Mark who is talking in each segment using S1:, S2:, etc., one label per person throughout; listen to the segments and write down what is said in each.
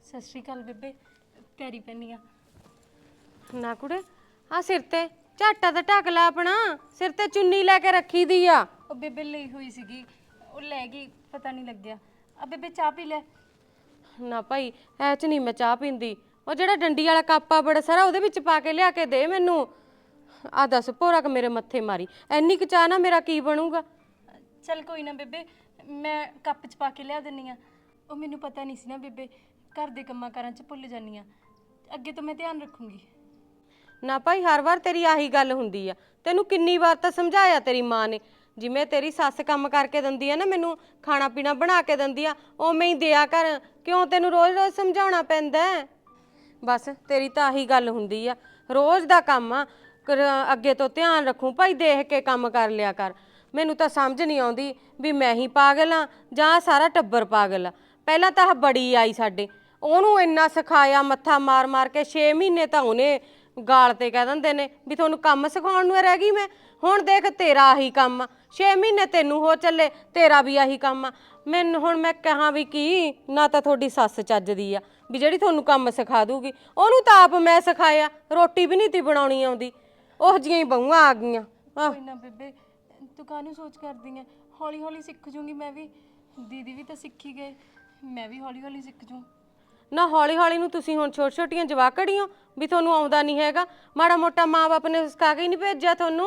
S1: ਸਤਿ ਸ਼੍ਰੀ ਅਕਾਲ ਬੇਬੇ, ਪੈਰੀ ਪੈਣੀ ਆ।
S2: ਨਾ ਕੁੜੇ ਆ ਸਿਰ ਤੇ ਝਾਟਾ ਤਾਂ ਢੱਕ ਲੈ ਆਪਣਾ, ਸਿਰ ਤੇ ਚੁੰਨੀ ਲੈ ਕੇ ਰੱਖੀ ਦੀ ਆ।
S1: ਉਹ ਬੇਬੇ ਲਈ ਹੋਈ ਸੀਗੀ, ਉਹ ਲੈ ਗਈ, ਪਤਾ ਨਹੀਂ ਲੱਗਿਆ। ਆ ਬੇਬੇ ਚਾਹ ਪੀ ਲੈ।
S2: ਨਾ ਭਾਈ ਐ ਚ ਨਹੀਂ ਮੈਂ ਚਾਹ ਪੀਂਦੀ। ਉਹ ਜਿਹੜਾ ਡੰਡੀ ਵਾਲਾ ਕੱਪ ਆ ਬੜਾ ਸਾਰਾ, ਉਹਦੇ ਵਿੱਚ ਪਾ ਕੇ ਲਿਆ ਕੇ ਦੇ ਮੈਨੂੰ। ਆ ਦੱਸ ਭੋਰਾ ਕ ਮੇਰੇ ਮੱਥੇ ਮਾਰੀ, ਐਨੀ ਕੁ ਚਾਹ ਨਾ ਮੇਰਾ ਕੀ ਬਣੂਗਾ।
S1: ਚੱਲ ਕੋਈ ਨਾ ਬੇਬੇ, ਮੈਂ ਕੱਪ 'ਚ ਪਾ ਕੇ ਲਿਆ ਦਿੰਨੀ ਆ। ਉਹ ਮੈਨੂੰ ਪਤਾ ਨਹੀਂ ਸੀ ਨਾ ਬੇਬੇ, ਘਰ ਦੇ ਕੰਮਾਂ ਕਾਰਾਂ 'ਚ ਭੁੱਲ ਜਾਂਦੀ ਆ। ਅੱਗੇ ਤੋਂ ਮੈਂ ਧਿਆਨ ਰੱਖੂੰਗੀ।
S2: ਨਾ ਭਾਈ ਹਰ ਵਾਰ ਤੇਰੀ ਆਹੀ ਗੱਲ ਹੁੰਦੀ ਆ। ਤੈਨੂੰ ਕਿੰਨੀ ਵਾਰ ਤਾਂ ਸਮਝਾਇਆ ਤੇਰੀ ਮਾਂ ਨੇ, ਜਿਵੇਂ ਤੇਰੀ ਸੱਸ ਕੰਮ ਕਰਕੇ ਦਿੰਦੀ ਆ ਨਾ, ਮੈਨੂੰ ਖਾਣਾ ਪੀਣਾ ਬਣਾ ਕੇ ਦਿੰਦੀ ਆ, ਉਵੇਂ ਹੀ ਦਿਆ ਕਰ। ਕਿਉਂ ਤੈਨੂੰ ਰੋਜ਼-ਰੋਜ਼ ਸਮਝਾਉਣਾ ਪੈਂਦਾ? ਬਸ ਤੇਰੀ ਤਾਂ ਆਹੀ ਗੱਲ ਹੁੰਦੀ ਆ, ਰੋਜ਼ ਦਾ ਕੰਮ ਆ। ਅੱਗੇ ਤੋਂ ਧਿਆਨ ਰੱਖੂੰ ਭਾਈ, ਦੇਖ ਕੇ ਕੰਮ ਕਰ ਲਿਆ ਕਰ। ਮੈਨੂੰ ਤਾਂ ਸਮਝ ਨਹੀਂ ਆਉਂਦੀ ਵੀ ਮੈਂ ਹੀ ਪਾਗਲ ਆ ਜਾਂ ਸਾਰਾ ਟੱਬਰ ਪਾਗਲ ਆ। ਪਹਿਲਾਂ ਤਾਂ ਆਹ ਬੜੀ ਆਈ ਸਾਡੇ, ਉਹਨੂੰ ਇੰਨਾ ਸਿਖਾਇਆ ਮੱਥਾ ਮਾਰ ਮਾਰ ਕੇ, 6 ਮਹੀਨੇ ਤਾਂ ਉਹਨੇ ਗਾਲ ਤੇ ਕਹਿ ਦਿੰਦੇ ਨੇ ਵੀ ਤੁਹਾਨੂੰ ਕੰਮ ਸਿਖਾਉਣ ਨੂੰ ਰਹਿ ਗਈ ਮੈਂ। ਹੁਣ ਦੇਖ ਤੇਰਾ ਆਹੀ ਕੰਮ ਆ, 6 ਮਹੀਨੇ ਤੈਨੂੰ ਹੋ ਚੱਲੇ, ਤੇਰਾ ਵੀ ਆਹੀ ਕੰਮ ਆ। ਮੈਨੂੰ ਹੁਣ ਮੈਂ ਕਹਾਂ ਵੀ ਕੀ, ਨਾ ਤਾਂ ਤੁਹਾਡੀ ਸੱਸ ਚੱਜਦੀ ਆ ਵੀ ਜਿਹੜੀ ਤੁਹਾਨੂੰ ਕੰਮ ਸਿਖਾ ਦੂਗੀ, ਉਹਨੂੰ ਤਾਂ ਆਪ ਮੈਂ ਸਿਖਾਇਆ, ਰੋਟੀ ਵੀ ਨਹੀਂ ਤੀ ਬਣਾਉਣੀ ਆਉਂਦੀ। ਉਹ ਜਿਹੀਆਂ ਹੀ ਬਹੂਆਂ ਆ ਗਈਆਂ।
S1: ਕੋਈ ਨਾ ਬੇਬੇ, ਤੂੰ ਕਾਹਨੂੰ ਸੋਚ ਕਰਦੀ ਐ? ਹੌਲੀ ਹੌਲੀ ਸਿੱਖ ਜੂੰਗੀ ਮੈਂ ਵੀ। ਦੀਦੀ ਵੀ ਤਾਂ ਸਿੱਖੀ ਗਏ, ਮੈਂ ਵੀ ਹੌਲੀ ਹੌਲੀ ਸਿੱਖ ਜੂ।
S2: ਨਾ ਹੌਲੀ ਹੌਲੀ ਨੂੰ ਤੁਸੀਂ ਹੁਣ ਛੋਟੀ ਛੋਟੀਆਂ ਜਵਾਕੜੀਆਂ ਵੀ ਤੁਹਾਨੂੰ ਆਉਂਦਾ ਨਹੀਂ ਹੈਗਾ। ਮਾੜਾ ਮੋਟਾ ਮਾਂ ਬਾਪ ਨੇ ਸਿਖਾ ਕੇ ਹੀ ਨਹੀਂ ਭੇਜਿਆ ਤੁਹਾਨੂੰ।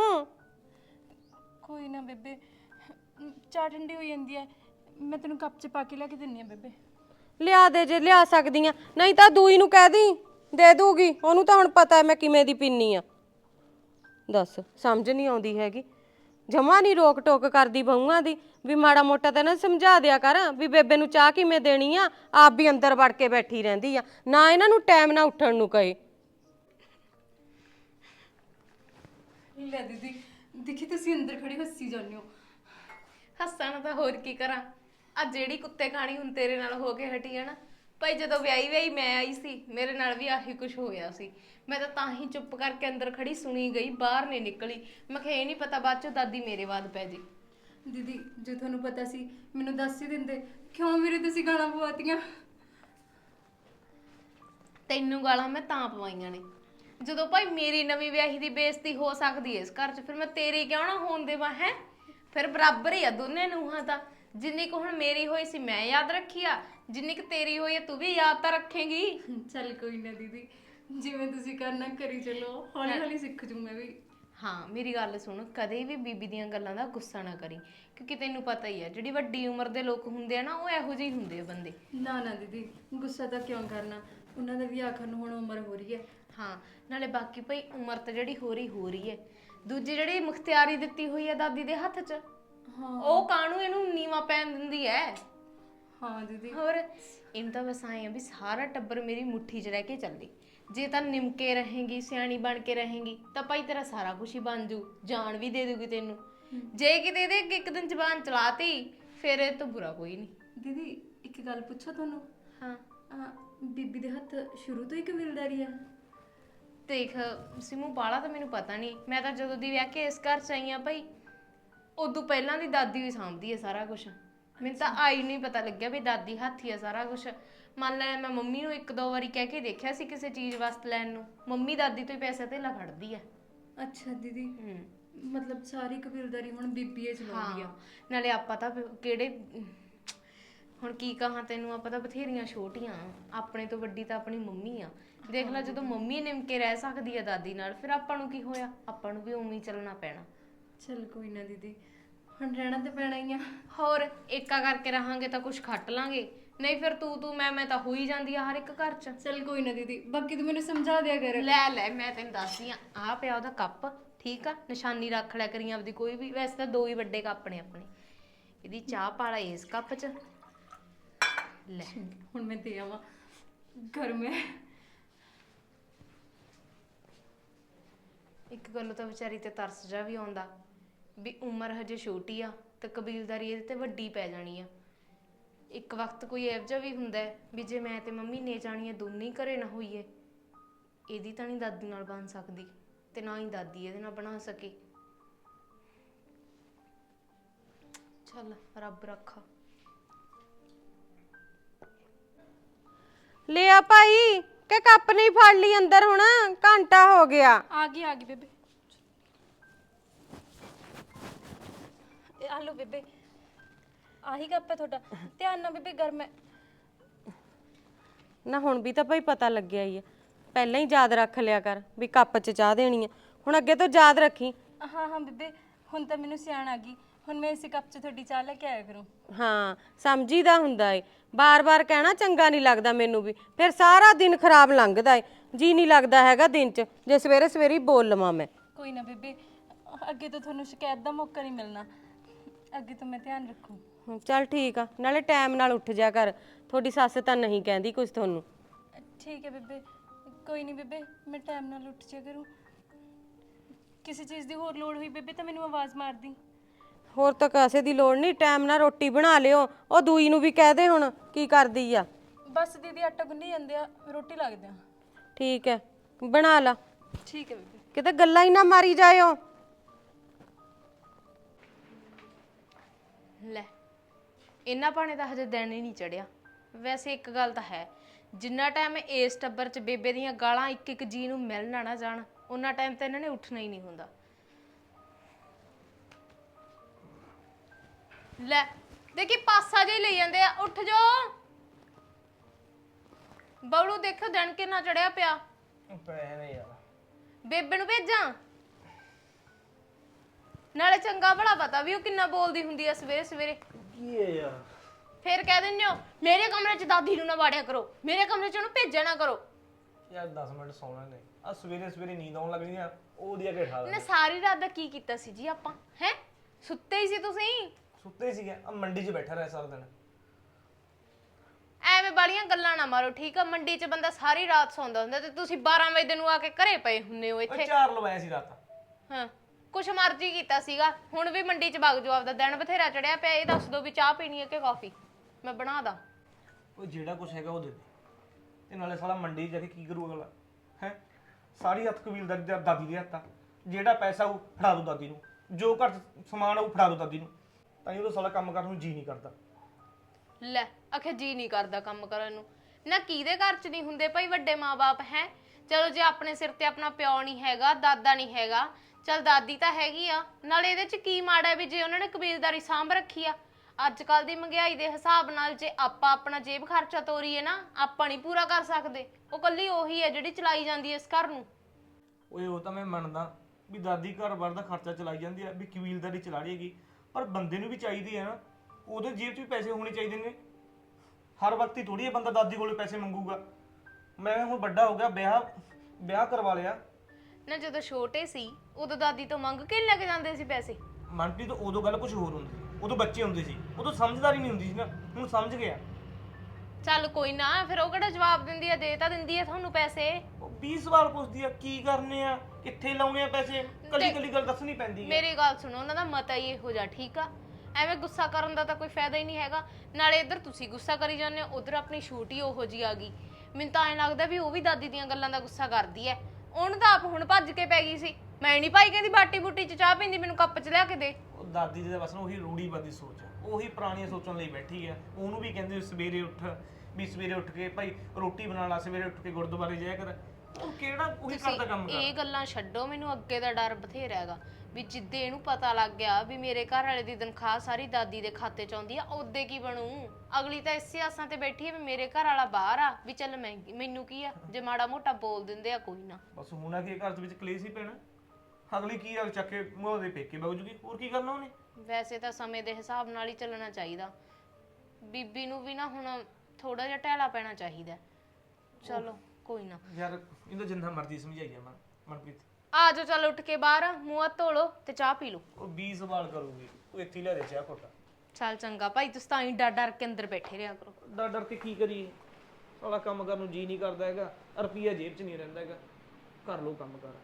S1: ਕੋਈ ਨਾ ਬੇਬੇ, ਚਾਹ ਠੰਡੀ ਹੋਈ ਜਾਂਦੀ ਐ, ਮੈਂ ਤੈਨੂੰ ਕੱਪ 'ਚ ਪਾ ਕੇ ਲਿਆ ਕੇ ਦਿੰਨੀ ਆ ਬੇਬੇ।
S2: ਲਿਆ ਦੇ ਜੇ ਲਿਆ ਸਕਦੀਆਂ, ਨਹੀਂ ਤਾਂ ਦੂਈ ਨੂੰ ਕਹਿ ਦੀ, ਦੇ ਦੂਗੀ। ਉਹਨੂੰ ਤਾਂ ਹੁਣ ਪਤਾ ਮੈਂ ਕਿਵੇਂ ਦੀ ਪੀਨੀ ਆ। ਦੱਸ ਸਮਝ ਨਹੀਂ ਆਉਂਦੀ ਹੈਗੀ, ਜਮਾ ਨਹੀਂ ਰੋਕ ਟੋਕ ਕਰਦੀ ਬਹੂਆਂ ਦੀ ਵੀ ਮਾੜਾ ਮੋਟਾ ਤਾਂ ਨਾ ਸਮਝਾ ਦਿਆ ਕਰ ਵੀ ਬੇਬੇ ਨੂੰ ਚਾਹ ਕਿਵੇਂ ਦੇਣੀ ਆ। ਆਪ ਵੀ ਅੰਦਰ ਵੜ ਕੇ ਬੈਠੀ ਰਹਿੰਦੀ ਆ, ਨਾ ਇਹਨਾਂ ਨੂੰ ਟਾਈਮ ਨਾ ਉੱਠਣ ਨੂੰ ਕਹੇ।
S1: ਲੈ ਦੀਦੀ, ਦੇਖੀ ਤੁਸੀਂ ਅੰਦਰ ਖੜੇ ਹੱਸੀ ਜਾਂਦੇ ਹੋ।
S3: ਹੱਸਣ ਤਾਂ ਹੋਰ ਕੀ ਕਰਾਂ। ਆ ਜਿਹੜੀ ਕੁੱਤੇ ਖਾਣੀ ਹੁਣ ਤੇਰੇ ਨਾਲ ਹੋ ਕੇ ਹਟੀ ਹੈ ਨਾ ਭਾਈ। ਜਦੋਂ ਵਿਆਹੀ ਮੈਂ ਆਈ ਸੀ, ਮੇਰੇ ਨਾਲ ਵੀ ਆਹੀ ਕੁਝ ਹੋਇਆ ਸੀ। ਮੈਂ ਤਾਂ ਹੀ ਚੁੱਪ ਕਰਕੇ ਅੰਦਰ ਖੜੀ ਸੁਣੀ ਗਈ, ਬਾਹਰ ਨਹੀਂ ਨਿਕਲੀ। ਮੈਂ ਕਿਹਾ ਇਹ ਨਹੀਂ ਪਤਾ ਬਾਅਦ ਚੋਂ ਦਾਦੀ ਮੇਰੇ ਬਾਅਦ ਪੈ ਜੇ।
S1: ਦੀਦੀ ਜੇ ਤੁਹਾਨੂੰ ਪਤਾ ਸੀ ਮੈਨੂੰ ਦੱਸ ਹੀ ਦਿੰਦੇ, ਕਿਉਂ ਮੇਰੇ ਤੁਸੀਂ ਗਾਲਾਂ ਪਵਾਤੀਆਂ?
S3: ਤੈਨੂੰ ਗਾਲਾਂ ਮੈਂ ਤਾਂ ਪਵਾਈਆਂ ਨੇ ਜਦੋਂ ਭਾਈ ਮੇਰੀ ਨਵੀਂ ਵਿਆਹੀ ਦੀ ਬੇਇੱਜ਼ਤੀ ਹੋ ਸਕਦੀ ਹੈ ਇਸ ਘਰ 'ਚ, ਫਿਰ ਮੈਂ ਤੇਰੀ ਕਿਉਂ ਨਾ ਹੋਣ ਦੇਵਾਂ? ਹੈ ਫਿਰ ਬਰਾਬਰ ਹੀ ਆ ਦੋਨੇ ਨੂੰਹਾਂ ਤਾਂ। ਜਿੰਨੀ ਕੁ ਹੁਣ ਮੇਰੀ ਹੋਈ ਸੀ ਮੈਂ ਯਾਦ ਰੱਖੀ ਆ, ਜਿੰਨੀ ਕੁ ਤੇਰੀ ਹੋਈ ਆ ਤੂੰ ਵੀ ਯਾਦ ਤਾਂ ਰੱਖੇਂਗੀ।
S1: ਚੱਲ ਕੋਈ ਨਾ ਦੀਦੀ, ਜਿਵੇਂ ਤੁਸੀਂ ਕਰਨਾ ਕਰੀ ਚਲੋ, ਹੌਲੀ ਹੌਲੀ ਸਿੱਖ ਜੂ ਮੈਂ ਵੀ।
S3: ਹਾਂ ਮੇਰੀ ਗੱਲ ਸੁਣ, ਕਦੇ ਵੀ ਬੀਬੀ ਦੀਆਂ ਗੱਲਾਂ ਦਾ ਗੁੱਸਾ ਨਾ ਕਰੀ, ਕਿਉਂਕਿ ਤੈਨੂੰ ਪਤਾ ਹੀ ਆ ਜਿਹੜੀ ਵੱਡੀ ਉਮਰ ਦੇ ਲੋਕ ਹੁੰਦੇ ਆ ਨਾ, ਉਹ ਇਹੋ ਜਿਹੇ ਹੁੰਦੇ ਆ ਬੰਦੇ।
S1: ਨਾ ਨਾ ਦੀਦੀ, ਗੁੱਸਾ ਤਾਂ ਕਿਉਂ ਕਰਨਾ, ਉਹਨਾਂ ਦਾ ਵੀ ਆਖਰ ਨੂੰ ਹੁਣ ਉਮਰ ਹੋ ਰਹੀ ਹੈ।
S3: ਹਾਂ ਨਾਲੇ ਬਾਕੀ ਭਾਈ ਉਮਰ ਤਾਂ ਜਿਹੜੀ ਹੋ ਰਹੀ ਹੈ, ਦੂਜੀ ਜਿਹੜੀ ਮੁਖਤਿਆਰੀ ਦਿੱਤੀ ਹੋਈ ਹੈ ਦਾਦੀ ਦੇ ਹੱਥ 'ਚ,
S1: ਹਾਂ
S3: ਉਹ ਕਾਹਨੂੰ ਇਹਨੂੰ ਨੀਵਾਂ ਪੈਣ ਦਿੰਦੀ ਹੈ?
S1: ਹਾਂ ਦੀਦੀ,
S3: ਹੋਰ ਇਹਨੂੰ ਤਾਂ ਬਸ ਆਏ ਆ ਵੀ ਸਾਰਾ ਟੱਬਰ ਮੇਰੀ ਮੁੱਠੀ 'ਚ ਰਹਿ ਕੇ ਚੱਲੇ। ਜੇ ਤਾਂ ਨਿਮਕੇ ਰਹੇਂਗੀ, ਸਿਆਣੀ ਬਣ ਕੇ ਰਹੇਂਗੀ, ਤਾਂ ਭਾਈ ਤੇਰਾ ਸਾਰਾ ਕੁਝ ਹੀ ਬਣ ਜੂ, ਜਾਨ ਵੀ ਦੇ ਦੂਗੀ ਤੈਨੂੰ। ਜੇ ਕਿਤੇ ਦੇ ਇੱਕ ਦਿਨ ਜ਼ਬਾਨ ਚਲਾਤੀ, ਫਿਰ ਇਹ ਤੋਂ ਬੁਰਾ ਕੋਈ ਨਹੀਂ।
S1: ਦੀਦੀ ਇੱਕ ਗੱਲ ਪੁੱਛੋ ਤੁਹਾਨੂੰ?
S3: ਹਾਂ
S1: ਬੀਬੀ ਦੇ ਹੱਥ ਸ਼ੁਰੂ ਤੋਂ ਹੀ ਕਬੀਲਦਾਰੀ ਹੈ?
S3: ਦੇਖ ਸਿਮੂ, ਬਾਲਾ ਤਾਂ ਮੈਨੂੰ ਪਤਾ ਨਹੀਂ, ਮੈਂ ਤਾਂ ਜਦੋਂ ਦੀ ਵਿਆਹ ਕੇ ਇਸ ਘਰ 'ਚ ਆਈ ਆ ਭਾਈ, ਉਦੋਂ ਪਹਿਲਾਂ ਦੀ ਦਾਦੀ ਹੀ ਸਾਂਭਦੀ ਹੈ ਸਾਰਾ ਕੁਝ। ਮੈਨੂੰ ਤਾਂ ਆਈ ਨਹੀਂ ਪਤਾ ਲੱਗਿਆ ਵੀ ਦਾਦੀ ਹੱਥ ਹੀ ਆ ਸਾਰਾ ਕੁਝ। ਮੰਨ ਲੈ ਮੈਂ ਮੰਮੀ ਨੂੰ ਇੱਕ ਦੋ ਵਾਰੀ ਕਹਿ ਕੇ ਦੇਖਿਆ ਸੀ ਕਿਸੇ ਚੀਜ਼ ਵਾਸਤੇ ਲੈਣ ਨੂੰ, ਮੰਮੀ ਦਾਦੀ ਤੋਂ ਹੀ ਪੈਸੇ ਧੇਲਾ ਫੜਦੀ ਹੈ।
S1: ਅੱਛਾ ਦੀਦੀ, ਮਤਲਬ ਸਾਰੀ ਕਬੀਲਦਾਰੀ ਹੁਣ ਬੀਬੀ ਚਲਾਉਂਦੀ ਆ?
S3: ਨਾਲੇ ਆਪਾਂ ਤਾਂ ਕਿਹੜੇ, ਹੁਣ ਕੀ ਕਹਾਂ ਤੈਨੂੰ, ਆਪਾਂ ਤਾਂ ਬਥੇਰੀਆਂ ਛੋਟੀਆਂ, ਆਪਣੇ ਤੋਂ ਵੱਡੀ ਤਾਂ ਆਪਣੀ ਮੰਮੀ ਆ। ਦੇਖ ਲੈ ਜਦੋਂ ਮੰਮੀ ਨਿਮਕੇ ਰਹਿ ਸਕਦੀ ਆ ਦਾਦੀ ਨਾਲ, ਫਿਰ ਆਪਾਂ ਨੂੰ ਕੀ ਹੋਇਆ? ਆਪਾਂ ਨੂੰ ਵੀ ਉਵੇਂ ਹੀ ਚੱਲਣਾ ਪੈਣਾ।
S1: ਚਲ ਕੋਈ ਨਾ ਦੀਦੀ, ਹੁਣ ਰਹਿਣਾ ਤੇ ਪੈਣਾ ਹੀ ਆ।
S3: ਹੋਰ ਏਕਾ ਕਰਕੇ ਰਹਾਂਗੇ ਤਾਂ ਕੁਝ ਖੱਟ ਲਾਂਗੇ, ਨਹੀਂ ਫਿਰ ਤੂੰ ਮੈਂ ਤਾਂ ਹੋ ਹੀ ਜਾਂਦੀ ਆ ਹਰ ਇੱਕ ਘਰ 'ਚ।
S1: ਚਲ ਕੋਈ ਨਾ ਦੀਦੀ, ਬਾਕੀ ਤੂੰ ਮੈਨੂੰ ਸਮਝਾ ਦਿਆ ਕਰ।
S3: ਲੈ ਮੈਂ ਤੈਨੂੰ ਦੱਸਦੀ ਆ ਪਿਆ ਉਹਦਾ ਕੱਪ, ਠੀਕ ਆ? ਨਿਸ਼ਾਨੀ ਰੱਖ ਲਿਆ ਕਰੀ ਆਪਦੀ ਕੋਈ ਵੀ, ਵੈਸੇ ਤਾਂ 2 ਹੀ ਵੱਡੇ ਕੱਪ ਨੇ ਆਪਣੇ। ਇਹਦੀ ਚਾਹ ਪਾ ਲਾ ਇਸ ਕੱਪ 'ਚ। ਲੈ
S1: ਹੁਣ ਮੈਂ ਦੇ ਆਵਾਂ ਘਰ ਮੈਂ।
S3: ਇੱਕ ਗੱਲ ਤਾਂ ਵਿਚਾਰੀ ਤੇ ਤਰਸ ਜਾ ਵੀ ਆਉਂਦਾ ਵੀ ਉਮਰ ਹਜੇ ਛੋਟੀ ਆ ਤੇ ਕਬੀਲਦਾਰੀ ਇਹਦੇ ਤੇ ਵੱਡੀ ਪੈ ਜਾਣੀ ਆ। ਇੱਕ ਵਕਤ ਕੋਈ ਇਹੋ ਜਿਹਾ ਵੀ ਹੁੰਦਾ ਵੀ ਜੇ ਮੈਂ ਤੇ ਮੰਮੀ ਨੇ ਜਾਣੀ ਹੈ ਦੋਨੇ ਘਰੇ ਨਾ ਹੋਈਏ, ਇਹਦੀ ਤਾਂ ਨਹੀਂ ਦਾਦੀ ਨਾਲ ਬਣ ਸਕਦੀ ਤੇ ਨਾ ਹੀ ਦਾਦੀ ਇਹਦੇ ਨਾਲ ਬਣਾ ਸਕੇ। ਚੱਲ ਰੱਬ ਰੱਖਾ।
S2: ਲਿਆ ਭਾਈ ਕਿ ਕੱਪ ਨਹੀਂ ਫੜ ਲਈ ਅੰਦਰ ਹੁਣ ਘੰਟਾ ਹੋ ਗਿਆ।
S1: ਆ ਗਈ ਬੇਬੇ। ਆ ਲਓ ਬੇਬੇ, ਆਹੀ ਕੱਪ ਹੈ ਤੁਹਾਡਾ। ਧਿਆਨ ਨਾਲ ਬੇਬੇ, ਗਰਮ ਹੈ।
S2: ਨਾ ਹੁਣ ਵੀ ਤਾਂ ਭਾਈ ਪਤਾ ਲੱਗਿਆ ਹੀ ਹੈ, ਪਹਿਲਾਂ ਹੀ ਯਾਦ ਰੱਖ ਲਿਆ ਕਰ ਵੀ ਕੱਪ 'ਚ ਚਾਹ ਦੇਣੀ ਹੈ। ਹੁਣ ਅੱਗੇ ਤੋਂ ਯਾਦ ਰੱਖੀ।
S1: ਹਾਂ ਬੇਬੇ, ਹੁਣ ਤਾਂ ਮੈਨੂੰ ਸਿਆਣ ਆ ਗਈ। ਹੁਣ ਮੈਂ ਇਸੇ ਕੱਪ 'ਚ ਤੁਹਾਡੀ ਚਾਹ ਲੈ ਕੇ ਆਇਆ ਕਰੂੰ।
S2: ਹਾਂ ਸਮਝੀਦਾ ਹੁੰਦਾ ਏ, ਬਾਰ-ਬਾਰ ਕਹਿਣਾ ਚੰਗਾ ਨਹੀਂ ਲੱਗਦਾ ਮੈਨੂੰ ਵੀ, ਫਿਰ ਸਾਰਾ ਦਿਨ ਖਰਾਬ ਲੰਘਦਾ ਏ, ਜੀ ਨਹੀਂ ਲੱਗਦਾ ਹੈਗਾ ਦਿਨ 'ਚ ਜੇ ਸਵੇਰੇ ਸਵੇਰੇ ਹੀ ਬੋਲ ਲਵਾਂ ਮੈਂ।
S1: ਕੋਈ ਨਾ ਬੇਬੇ, ਅੱਗੇ ਤੋਂ ਤੁਹਾਨੂੰ ਸ਼ਿਕਾਇਤ ਦਾ ਮੌਕਾ ਨਹੀਂ ਮਿਲਣਾ। ਅੱਗੇ ਤੋਂ ਮੈਂ ਧਿਆਨ ਰੱਖੂ।
S2: ਚੱਲ ਠੀਕ ਆ, ਨਾਲੇ ਟਾਈਮ ਨਾਲ ਉੱਠ ਜਾ ਕਰ, ਤੁਹਾਡੀ ਸੱਸ ਤਾਂ ਨਹੀਂ ਕਹਿੰਦੀ ਕੁਝ ਤੁਹਾਨੂੰ।
S1: ਠੀਕ ਹੈ ਬੇਬੇ, ਕੋਈ ਨਹੀਂ ਬੇਬੇ, ਮੈਂ ਟਾਈਮ ਨਾਲ ਉੱਠ ਜਾ ਕਰੂੰ। ਕਿਸੇ ਚੀਜ਼ ਦੀ ਹੋਰ ਲੋੜ ਹੋਈ ਬੇਬੇ ਤਾਂ ਮੈਨੂੰ ਆਵਾਜ਼ ਮਾਰ ਦੀ।
S2: ਹੋਰ ਤਾਂ ਕਾਸੇ ਦੀ ਲੋੜ ਨਹੀਂ, ਟਾਈਮ ਨਾਲ ਰੋਟੀ ਬਣਾ ਲਿਓ। ਉਹ ਦੂਈ ਨੂੰ ਵੀ ਕਹਿ ਦੇ ਹੁਣ ਕੀ ਕਰਦੀ ਆ।
S1: ਬਸ ਦੀਦੀ ਆਟਾ ਗੁੰਨੀ ਜਾਂਦੇ ਆ, ਰੋਟੀ ਲੱਗਦੇ ਆ।
S2: ਠੀਕ ਹੈ ਬਣਾ ਲਾ।
S1: ਠੀਕ ਹੈ ਬੇਬੇ।
S2: ਕਿਤੇ ਗੱਲਾਂ ਹੀ ਨਾ ਮਾਰੀ ਜਾਇਓ।
S3: ਲੈ ਇਹਨਾਂ ਭਾਣੇ ਦਾ ਹਜੇ ਦਿਨ ਹੀ ਨਹੀਂ ਚੜਿਆ। ਵੈਸੇ ਇੱਕ ਗੱਲ ਤਾਂ ਹੈ, ਜਿੰਨਾ ਟਾਈਮ ਇਸ ਟੱਬਰ 'ਚ ਬੇਬੇ ਦੀਆਂ ਗਾਲਾਂ ਇੱਕ ਇੱਕ ਜੀ ਨੂੰ ਮਿਲਣਾ ਨਾ ਜਾਣ, ਉਹਨਾਂ ਟਾਈਮ ਤਾਂ ਇਹਨਾਂ ਨੇ ਉੱਠਣਾ ਹੀ ਨਹੀਂ ਹੁੰਦਾ। ਲੈ ਦੇਖੀ ਪਾਸਾ ਜਿਹਾ ਹੀ ਲਈ ਜਾਂਦੇ ਆ। ਉੱਠ ਜਾਓ ਬਬਲੂ, ਦੇਖੋ ਦਿਨ ਕਿੰਨਾ ਚੜਿਆ ਪਿਆ।
S4: ਨੇ ਯਾਰ
S3: ਬੇਬੇ ਨੂੰ ਭੇਜਾਂ? ਨਾਲੇ ਚੰਗਾ ਭਲਾ ਪਤਾ ਵੀ ਉਹ ਕਿੰਨਾ ਬੋਲਦੀ ਹੁੰਦੀ ਆ ਸਵੇਰੇ ਸਵੇਰੇ।
S4: ਕੀ ਹੈ ਯਾਰ?
S3: ਫੇਰ ਕਹਿ ਦਿੰਦੇ ਹੋ ਮੇਰੇ ਕਮਰੇ 'ਚ ਦਾਦੀ ਨੂੰ ਨਾ ਵਾੜਿਆ ਕਰੋ, ਮੇਰੇ ਕਮਰੇ 'ਚ ਉਹਨੂੰ ਭੇਜਿਆ ਨਾ ਕਰੋ।
S4: ਯਾਰ 10 ਮਿੰਟ ਸੌਣਾ ਨੇ, ਆ ਸਵੇਰੇ ਸਵੇਰੇ ਨੀਂਦ ਆਉਣ ਲੱਗਦੀ ਆ, ਉਹਦੀ ਆ ਕੇ ਠਾ
S3: ਨਾ ਸਾਰੀ ਰਾਤ ਦਾ ਕੀ ਕੀਤਾ ਸੀ ਜੀ ਆਪਾਂ? ਹੈ ਸੁੱਤੇ ਹੀ ਸੀ ਤੁਸੀਂ?
S4: ਸੁੱਤੇ ਸੀਗੇ, ਆ ਮੰਡੀ 'ਚ ਬੈਠਾ ਰਿਹਾ ਸਾਰਾ ਦਿਨ।
S3: ਐਵੇਂ ਬਾਲੀਆਂ ਗੱਲਾਂ ਨਾ ਮਾਰੋ ਠੀਕ ਆ। ਮੰਡੀ 'ਚ ਬੰਦਾ ਸਾਰੀ ਰਾਤ ਸੌਂਦਾ ਹੁੰਦਾ ਤੇ ਤੁਸੀਂ 12 ਵਜੇ ਨੂੰ ਆ ਕੇ ਘਰੇ ਪਏ ਹੁੰਨੇ ਹੋ
S4: ਉਹ
S3: ਇੱਥੇ।
S4: 4 ਲਵਾਇਆ ਸੀ ਰਾਤ।
S3: ਹਾਂ ਕੁਛ ਮਰਜ਼ੀ ਕੀਤਾ ਸੀਗਾ। ਹੁਣ ਵੀ ਮੰਡੀ 'ਚ ਵਗ ਜਾਓ, ਆਪਦਾ ਦਿਨ ਬਥੇਰਾ ਚੜਿਆ ਪਿਆ। ਇਹ ਦੱਸ ਦੋ ਵੀ ਚਾਹ ਪੀਣੀ ਹੈ ਕਿ ਕਾਫੀ? ਮੈਂ ਬਣਾ ਦਾਂ।
S4: ਉਹ ਜਿਹੜਾ ਕੁਛ ਹੈਗਾ ਉਹ ਦੇ ਦੇ। ਤੇ ਨਾਲੇ ਸਾਲਾ ਮੰਡੀ 'ਚ ਜਾ ਕੇ ਕੀ ਕਰੂ ਅਗਲਾ? ਹੈ ਸਾਰੀ ਹੱਥ ਕਬੀਲਦਾਰੀ ਦਾ ਦਾਦੀ ਦੇ ਹੱਥਾਂ। ਜਿਹੜਾ ਪੈਸਾ ਉਹ ਫੜਾ ਦੋ ਦਾਦੀ ਨੂੰ, ਜੋ ਘਰ 'ਚ ਸਮਾਨ ਉਹ ਫੜਾ ਦੋ ਦਾਦੀ ਨੂੰ। ਤਾਂ ਹੀ ਉਹ ਸਾਲਾ ਕੰਮ ਕਰਨ ਨੂੰ ਜੀ ਨਹੀਂ ਕਰਦਾ।
S3: ਲੈ ਆਖੇ ਜੀ ਨਹੀਂ ਕਰਦਾ ਕੰਮ ਕਰਨ ਨੂੰ। ਨਾ ਕਿਹਦੇ ਘਰ 'ਚ ਨਹੀਂ ਹੁੰਦੇ ਭਾਈ ਵੱਡੇ ਮਾਂ-ਬਾਪ ਹੈ। ਚਲੋ ਜੇ ਆਪਣੇ ਸਿਰ ਤੇ ਆਪਣਾ ਪਿਓ ਨਹੀਂ ਹੈਗਾ, ਦਾਦਾ ਨਹੀਂ ਹੈਗਾ, ਚਲ ਦਾਦੀ ਤਾਂ ਹੈਗੀ ਆ। ਨਾਲੇ ਇਹਦੇ 'ਚ ਕੀ ਮਾੜਾ ਵੀ ਜੇ ਉਹਨਾਂ ਨੇ ਕਬੀਲਦਾਰੀ ਸਾਂਭ ਰੱਖੀ ਆ। ਅੱਜ ਕੱਲ ਦੀ ਮਹਿੰਗਾਈ ਦੇ ਹਿਸਾਬ ਨਾਲ ਜੇ ਆਪਾਂ ਆਪਣਾ ਜੇਬ ਖਰਚਾ ਤੋਰੀਏ ਨਾ, ਆਪਾਂ ਨਹੀਂ ਪੂਰਾ ਕਰ ਸਕਦੇ। ਉਹ ਕੱਲੀ ਉਹੀ ਹੈ ਜਿਹੜੀ ਚਲਾਈ ਜਾਂਦੀ ਹੈ ਇਸ ਘਰ ਨੂੰ।
S4: ਓਏ ਉਹ ਤਾਂ ਮੈਂ ਮੰਨਦਾ ਵੀ ਦਾਦੀ ਘਰ-ਬਾਰ ਦਾ ਖਰਚਾ ਚਲਾਈ ਜਾਂਦੀ ਆ, ਵੀ ਕਬੀਲਦਾਰੀ ਚਲਾ ਰਹੀ ਹੈਗੀ, ਪਰ ਬੰਦੇ ਨੂੰ ਵੀ ਚਾਹੀਦੀ ਹੈ ਨਾ, ਉਹਦੇ ਜੇਬ 'ਚ ਵੀ ਪੈਸੇ ਹੋਣੇ ਚਾਹੀਦੇ ਨੇ। ਹਰ ਵਕਤ ਹੀ ਥੋੜੀ ਹੈ ਬੰਦਾ ਦਾਦੀ ਕੋਲੇ ਪੈਸੇ ਮੰਗੂਗਾ। ਮੈਂ ਹੁਣ ਵੱਡਾ ਹੋ ਗਿਆ, ਵਿਆਹ ਕਰਵਾ ਲਿਆ
S3: ਨਾ। ਜਦੋਂ ਛੋਟੇ ਸੀ ਉਦੋਂ ਦਾਦੀ ਤੋਂ ਮੰਗ ਕੇ ਲੈ ਕੇ ਜਾਂਦੇ ਸੀ ਪੈਸੇ।
S4: ਮਨਪ੍ਰੀਤ ਉਦੋਂ ਗੱਲ ਕੁਝ ਹੋਰ ਹੁੰਦੀ, ਉਦੋਂ ਬੱਚੇ ਹੁੰਦੇ ਸੀ, ਉਦੋਂ ਸਮਝਦਾਰੀ ਨਹੀਂ ਹੁੰਦੀ ਸੀ ਨਾ। ਹੁਣ ਸਮਝ ਗਿਆ।
S3: ਚੱਲ ਕੋਈ ਨਾ, ਫਿਰ ਉਹ ਕਿਹੜਾ ਜਵਾਬ ਦਿੰਦੀ ਆ? ਦੇ ਤਾਂ ਦਿੰਦੀ ਆ ਤੁਹਾਨੂੰ ਪੈਸੇ।
S4: ਉਹ 20 ਸਵਾਲ ਪੁੱਛਦੀ ਆ, ਕੀ ਕਰਨੇ ਆ, ਕਿੱਥੇ ਲਾਉਣੇ ਆ ਪੈਸੇ, ਕੱਲੀ ਕੱਲੀ ਗੱਲ ਦੱਸਣੀ ਪੈਂਦੀ ਹੈ।
S3: ਮੇਰੀ ਗੱਲ ਸੁਣੋ, ਉਹਨਾਂ ਦਾ ਮਤਾ ਹੀ ਇਹੋ ਜਿਹਾ ਠੀਕ ਆ। ਐਵੇਂ ਗੁੱਸਾ ਕਰਨ ਦਾ ਤਾਂ ਕੋਈ ਫਾਇਦਾ ਹੀ ਨਹੀਂ ਹੈਗਾ। ਨਾਲੇ ਇੱਧਰ ਤੁਸੀਂ ਗੁੱਸਾ ਕਰੀ ਜਾਂਦੇ ਹੋ, ਉਧਰ ਆਪਣੀ ਛੋਟੀ ਉਹੋ ਜੀ ਆ ਗਈ। ਮੈਨੂੰ ਤਾਂ ਐਂ ਲੱਗਦਾ ਵੀ ਉਹ ਵੀ ਦਾਦੀ ਦੀਆਂ ਗੱਲਾਂ ਦਾ ਗੁੱਸਾ ਕਰਦੀ ਐ। ਉਹਨੂੰ ਤਾਂ ਆਪ ਹੁਣ ਭੱਜ ਕੇ ਪੈ ਗਈ ਸੀ। ਮੈਂ ਨਹੀਂ ਭਾਈ ਕਹਿੰਦੀ ਬਾਟੀ ਬੂਟੀ 'ਚ ਚਾਹ ਪੀਂਦੀ, ਮੈਨੂੰ ਕੱਪ 'ਚ ਲਿਆ ਕੇ ਦੇ।
S4: ਉਹ ਦਾਦੀ ਦੇ ਬਸ ਉਹੀ ਰੂੜੀਵਾਦੀ ਸੋਚ ਆ, ਉਹੀ ਪੁਰਾਣੀਆਂ ਸੋਚਣ ਲਈ ਬੈਠੀ ਆ। ਉਹਨੂੰ ਵੀ ਕਹਿੰਦੇ ਸਵੇਰੇ ਉੱਠ, ਵੀ ਸਵੇਰੇ ਉੱਠ ਕੇ ਭਾਈ ਰੋਟੀ ਬਣਾ ਲਾ, ਸਵੇਰੇ ਉੱਠ ਕੇ ਗੁਰਦੁਆਰੇ ਜਾਇਆ ਕਰ। ਉਹ ਕਿਹੜਾ ਉਹੀ ਕਰਦਾ ਕੰਮ ਕਰ।
S3: ਇਹ ਗੱਲਾਂ ਛੱਡੋ, ਮੈਨੂੰ ਅੱਗੇ ਦਾ ਡਰ ਬਥੇਰਾ ਹੈਗਾ ਵੀ ਜਿੱਦੇ ਇਹਨੂੰ ਪਤਾ ਲੱਗ ਗਿਆ ਵੀ ਮੇਰੇ ਘਰ ਵਾਲੇ ਦੀ ਤਨਖਾਹ ਸਾਰੀ ਦਾਦੀ ਦੇ ਖਾਤੇ 'ਚ ਆਉਂਦੀ ਆ, ਉਹਦੇ ਕੀ ਬਣੂ? ਅਗਲੀ ਤਾਂ ਇਸੇ ਆਸਾਂ ਤੇ ਬੈਠੀ ਹੈ ਵੀ ਮੇਰੇ ਘਰ ਵਾਲਾ ਬਾਹਰ ਆ, ਵੀ ਚੱਲ ਮੈਨੂੰ ਕੀ ਆ ਜੇ ਮਾੜਾ ਮੋਟਾ ਬੋਲ ਦਿੰਦੇ ਆ ਕੋਈ ਨਾ।
S4: ਬਸ ਹੁਣਾ ਕਿ ਘਰ ਦੇ ਵਿੱਚ ਕਲੇਸ਼ ਹੀ ਪੈਣਾ। ਅਗਲੀ ਕੀ ਆ ਚੱਕ ਕੇ ਮੂੰਹ ਦੇ ਪੇਕੇ ਬਗ ਜੂਗੀ, ਹੋਰ ਕੀ ਕਰਨਾ ਉਹਨੇ।
S3: ਵੈਸੇ ਤਾਂ ਸਮੇਂ ਦੇ ਹਿਸਾਬ ਨਾਲ ਹੀ ਚੱਲਣਾ ਚਾਹੀਦਾ। ਬੀਬੀ ਨੂੰ ਵੀ ਨਾ ਹੁਣ ਥੋੜਾ ਜਿਹਾ ਟਹਿਲਾ ਪੈਣਾ ਚਾਹੀਦਾ। ਚਲੋ ਕੋਈ ਨਾ
S4: ਯਾਰ, ਇਹਦਾ ਜਿੰਨਾ ਮਰਜ਼ੀ ਸਮਝਾਈ ਜਾ ਮਨਪ੍ਰੀਤ।
S3: ਆ ਜਾਓ, ਚੱਲ ਉੱਠ ਕੇ ਬਾਹਰ ਮੂੰਹ ਹੱਥ ਧੋ ਲਓ ਤੇ ਚਾਹ ਪੀ ਲਓ।
S4: ਉਹ 20 ਸਵਾਲ ਕਰੂਗੀ, ਤੂੰ ਇੱਥੇ ਲੈ ਦੇ ਚਾਹ ਘੁੱਟ।
S3: ਚੱਲ ਚੰਗਾ ਭਾਈ, ਤੁਸੀਂ ਤਾਂ ਹੀ ਡਰ ਡਰ ਕੇ ਅੰਦਰ ਬੈਠੇ ਰਿਹਾ ਕਰੋ।
S4: ਡਰ ਡਰ ਕੇ ਕੀ ਕਰੀਏ? ਸਾਲਾ ਕੰਮ ਕਰਨ ਨੂੰ ਜੀ ਨਹੀਂ ਕਰਦਾ ਹੈਗਾ, ਰੁਪਈਆ ਜੇਬ 'ਚ ਨਹੀਂ ਰਹਿੰਦਾ ਹੈਗਾ। ਕਰ ਲੋ ਕੰਮ ਕਰ।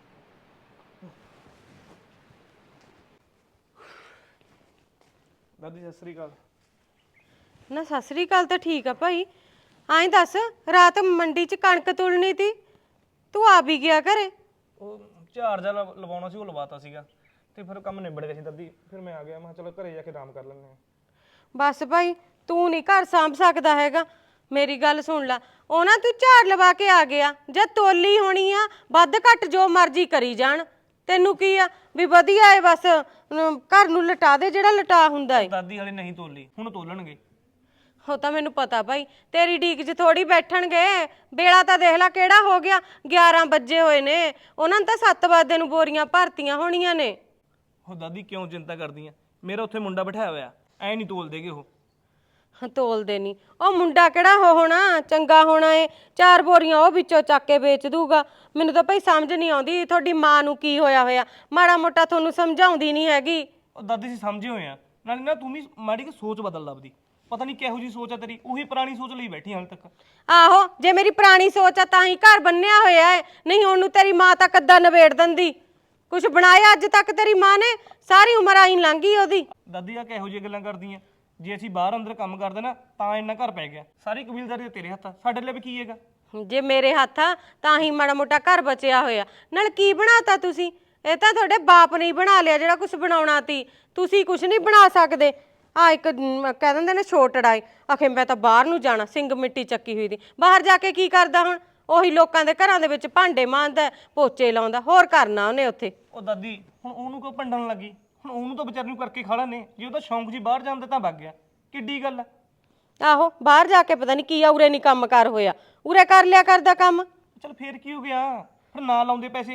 S4: ਦਾਦੀ ਸਤਿ ਸ੍ਰੀ ਅਕਾਲ।
S2: ਨਾ ਸਤਿ ਸ੍ਰੀ ਅਕਾਲ ਤਾਂ ਠੀਕ ਆ ਭਾਈ। ਐਂ ਦੱਸ, ਰਾਤ ਮੰਡੀ 'ਚ ਕਣਕ ਤੁਲਣੀ ਤੀ, ਤੂੰ ਆ ਵੀ ਗਿਆ ਘਰੇ?
S4: ਉਹ ਝਾੜ ਜਾ ਲਵਾਉਣਾ ਸੀ, ਉਹ ਲਵਾਤਾ ਸੀਗਾ ਤੇ ਫਿਰ ਕੰਮ ਨਿਬੜ ਗਿਆ ਸੀ ਦਾਦੀ। ਫਿਰ ਮੈਂ ਆ ਗਿਆ, ਮੈਂ ਕਿਹਾ ਚਲੋ ਘਰੇ ਜਾ ਕੇ ਆਰਾਮ ਕਰ ਲੈਂਦੇ ਹਾਂ।
S2: ਬਸ ਭਾਈ, ਤੂੰ ਨਹੀਂ ਘਰ ਸਾਂਭ ਸਕਦਾ ਹੈਗਾ, ਮੇਰੀ ਗੱਲ ਸੁਣ ਲੈ, ਉਹ ਨਾ ਤੂੰ ਝਾੜ ਲਵਾ ਕੇ ਆ ਗਿਆ, ਜੇ ਤੋਲੀ ਹੋਣੀ ਆ ਵੱਧ ਘੱਟ ਜੋ ਮਰਜ਼ੀ ਕਰੀ ਜਾਣ, ਤੈਨੂੰ ਕੀ ਆ ਵੀ ਵਧੀਆ ਏ ਬਸ ਘਰ ਨੂੰ ਲਟਾ ਦੇ ਜਿਹੜਾ ਲਟਾ ਹੁੰਦਾ ਏ।
S4: ਦਾਦੀ ਹਲੇ ਨਹੀਂ ਤੋਲੀ, ਹੁਣ ਤੋਲਣਗੇ।
S2: ਉਹ ਤਾਂ ਮੈਨੂੰ ਪਤਾ ਭਾਈ, ਤੇਰੀ ਢੀਕ 'ਚ ਥੋੜੀ ਬੈਠਣਗੇ। ਵੇਲਾ ਤਾਂ ਦੇਖ ਲੈ ਕਿਹੜਾ ਹੋ ਗਿਆ, 11 ਵੱਜੇ ਹੋਏ ਨੇ, ਉਹਨਾਂ ਨੇ ਤਾਂ 7 ਵਜੇ ਨੂੰ ਬੋਰੀਆਂ ਭਰਤੀਆਂ ਹੋਣੀਆਂ ਨੇ।
S4: ਉਹ ਦਾਦੀ ਕਿਉਂ ਚਿੰਤਾ ਕਰਦੀ ਆ, ਮੇਰਾ ਉੱਥੇ ਮੁੰਡਾ ਬਿਠਾਇਆ ਹੋਇਆ, ਐ ਨਹੀਂ ਤੋਲ ਦੇਗੇ ਉਹ।
S2: ਤੋਲਦੇ ਨਹੀਂ, ਉਹ ਮੁੰਡਾ ਕਿਹੜਾ ਹੋਣਾ ਚੰਗਾ ਹੋਣਾ ਏ, 4 ਬੋਰੀਆਂ ਉਹ ਵਿੱਚੋਂ ਚੱਕ ਕੇ ਵੇਚ ਦੂਗਾ। ਮੈਨੂੰ ਤਾਂ ਭਾਈ ਸਮਝ ਨਹੀਂ ਆਉਂਦੀ ਤੁਹਾਡੀ ਮਾਂ ਨੂੰ ਕੀ ਹੋਇਆ, ਮਾੜਾ ਮੋਟਾ ਤੁਹਾਨੂੰ ਸਮਝਾਉਂਦੀ ਨਹੀਂ ਹੈਗੀ।
S4: ਉਹ ਦਾਦੀ ਸੀ ਸਮਝੇ ਹੋਏ ਆ, ਨਾਲੇ ਨਾ ਤੂੰ ਵੀ ਮਾੜੀ ਕਿ ਸੋਚ ਬਦਲ ਲੱਭਦੀ, ਪਤਾ ਨਹੀਂ ਕਿਹੋ ਜੀ ਸੋਚ ਆ ਤੇਰੀ, ਉਹੀ ਪੁਰਾਣੀ ਸੋਚ ਲਈ ਬੈਠੀ ਹਾਲ ਤੱਕ।
S2: ਆਹੋ, ਜੇ ਮੇਰੀ ਪੁਰਾਣੀ ਸੋਚ ਆ ਤਾਂ ਹੀ ਘਰ ਬੰਨਿਆ ਹੋਇਆ ਹੈ, ਨਹੀਂ ਉਹਨੂੰ ਤੇਰੀ ਮਾਂ ਤਾਂ ਕੱਦਾ ਨਵੇੜ ਦਿੰਦੀ। ਕੁਛ ਬਣਾਇਆ ਅੱਜ ਤੱਕ ਤੇਰੀ ਮਾਂ ਨੇ, ਸਾਰੀ ਉਮਰ ਆਈ ਲੰਘੀ ਉਹਦੀ।
S4: ਦਾਦੀ ਆ ਕਿਹੋ ਜਿਹੀਆਂ ਗੱਲਾਂ ਕਰਦੀਆਂ, ਜੇ ਅਸੀਂ ਬਾਹਰ ਅੰਦਰ ਕੰਮ ਕਰਦੇ ਨਾ ਤਾਂ ਇੰਨਾ ਘਰ ਪੈ ਗਿਆ, ਸਾਰੀ ਕਬੀਲਦਾਰੀ ਤੇਰੇ ਹੱਥ ਆ, ਸਾਡੇ ਲਈ ਵੀ ਕੀ ਹੈਗਾ।
S2: ਜੇ ਮੇਰੇ ਹੱਥ ਆ ਤਾਂ ਹੀ ਮਾੜਾ ਮੋਟਾ ਘਰ ਬਚਿਆ ਹੋਇਆ। ਨਾਲ ਕੀ ਬਣਾਤਾ ਤੁਸੀਂ? ਇਹ ਤਾਂ ਤੁਹਾਡੇ ਬਾਪ ਨੇ ਹੀ ਬਣਾ ਲਿਆ ਜਿਹੜਾ ਕੁਝ ਬਣਾਉਣਾ ਤੀ, ਤੁਸੀਂ ਕੁਝ ਨਹੀਂ ਬਣਾ ਸਕਦੇ। ਆ ਇੱਕ ਕਹਿ ਦਿੰਦੇ ਨੇ ਛੋਟੜਾ ਏ, ਆਖੇ ਮੈਂ ਤਾਂ ਬਾਹਰ ਨੂੰ ਜਾਣਾ, ਸਿੰਘ ਮਿੱਟੀ ਚੱਕੀ ਹੋਈ ਦੀ, ਬਾਹਰ ਜਾ ਕੇ ਕੀ ਕਰਦਾ ਹੁਣ? ਉਹੀ ਲੋਕਾਂ ਦੇ ਘਰਾਂ ਦੇ ਵਿੱਚ ਭਾਂਡੇ ਮਾਂਜਦਾ, ਪੋਚੇ ਲਾਉਂਦਾ, ਹੋਰ ਕਰਨਾ ਉਹਨੇ ਉੱਥੇ।
S4: ਉਹ ਦਾਦੀ ਹੁਣ ਉਹਨੂੰ ਕਿਉਂ ਭੰਡਣ ਲੱਗੀ, ਹੁਣ ਉਹਨੂੰ ਤਾਂ ਵਿਚਾਰੀ ਨੂੰ ਕਰਕੇ ਖਾ ਲੈਣੇ, ਜੇ ਉਹਦਾ ਸ਼ੌਂਕ ਜੀ ਬਾਹਰ ਜਾਣ ਦਾ ਤਾਂ ਵਗ ਗਿਆ, ਕਿੱਡੀ ਗੱਲ ਆ।
S2: ਆਹੋ, ਬਾਹਰ ਜਾ ਕੇ ਪਤਾ ਨਹੀਂ ਕੀ ਆ, ਉਰੇ ਨਹੀਂ ਕੰਮ ਕਾਰ ਹੋਇਆ, ਉਰੇ ਕਰ ਲਿਆ ਕਰਦਾ ਕੰਮ।
S4: ਚਲ ਫੇਰ ਕੀ ਹੋ ਗਿਆ, ਫਿਰ ਨਾ ਲਾਉਂਦੇ ਪੈਸੇ।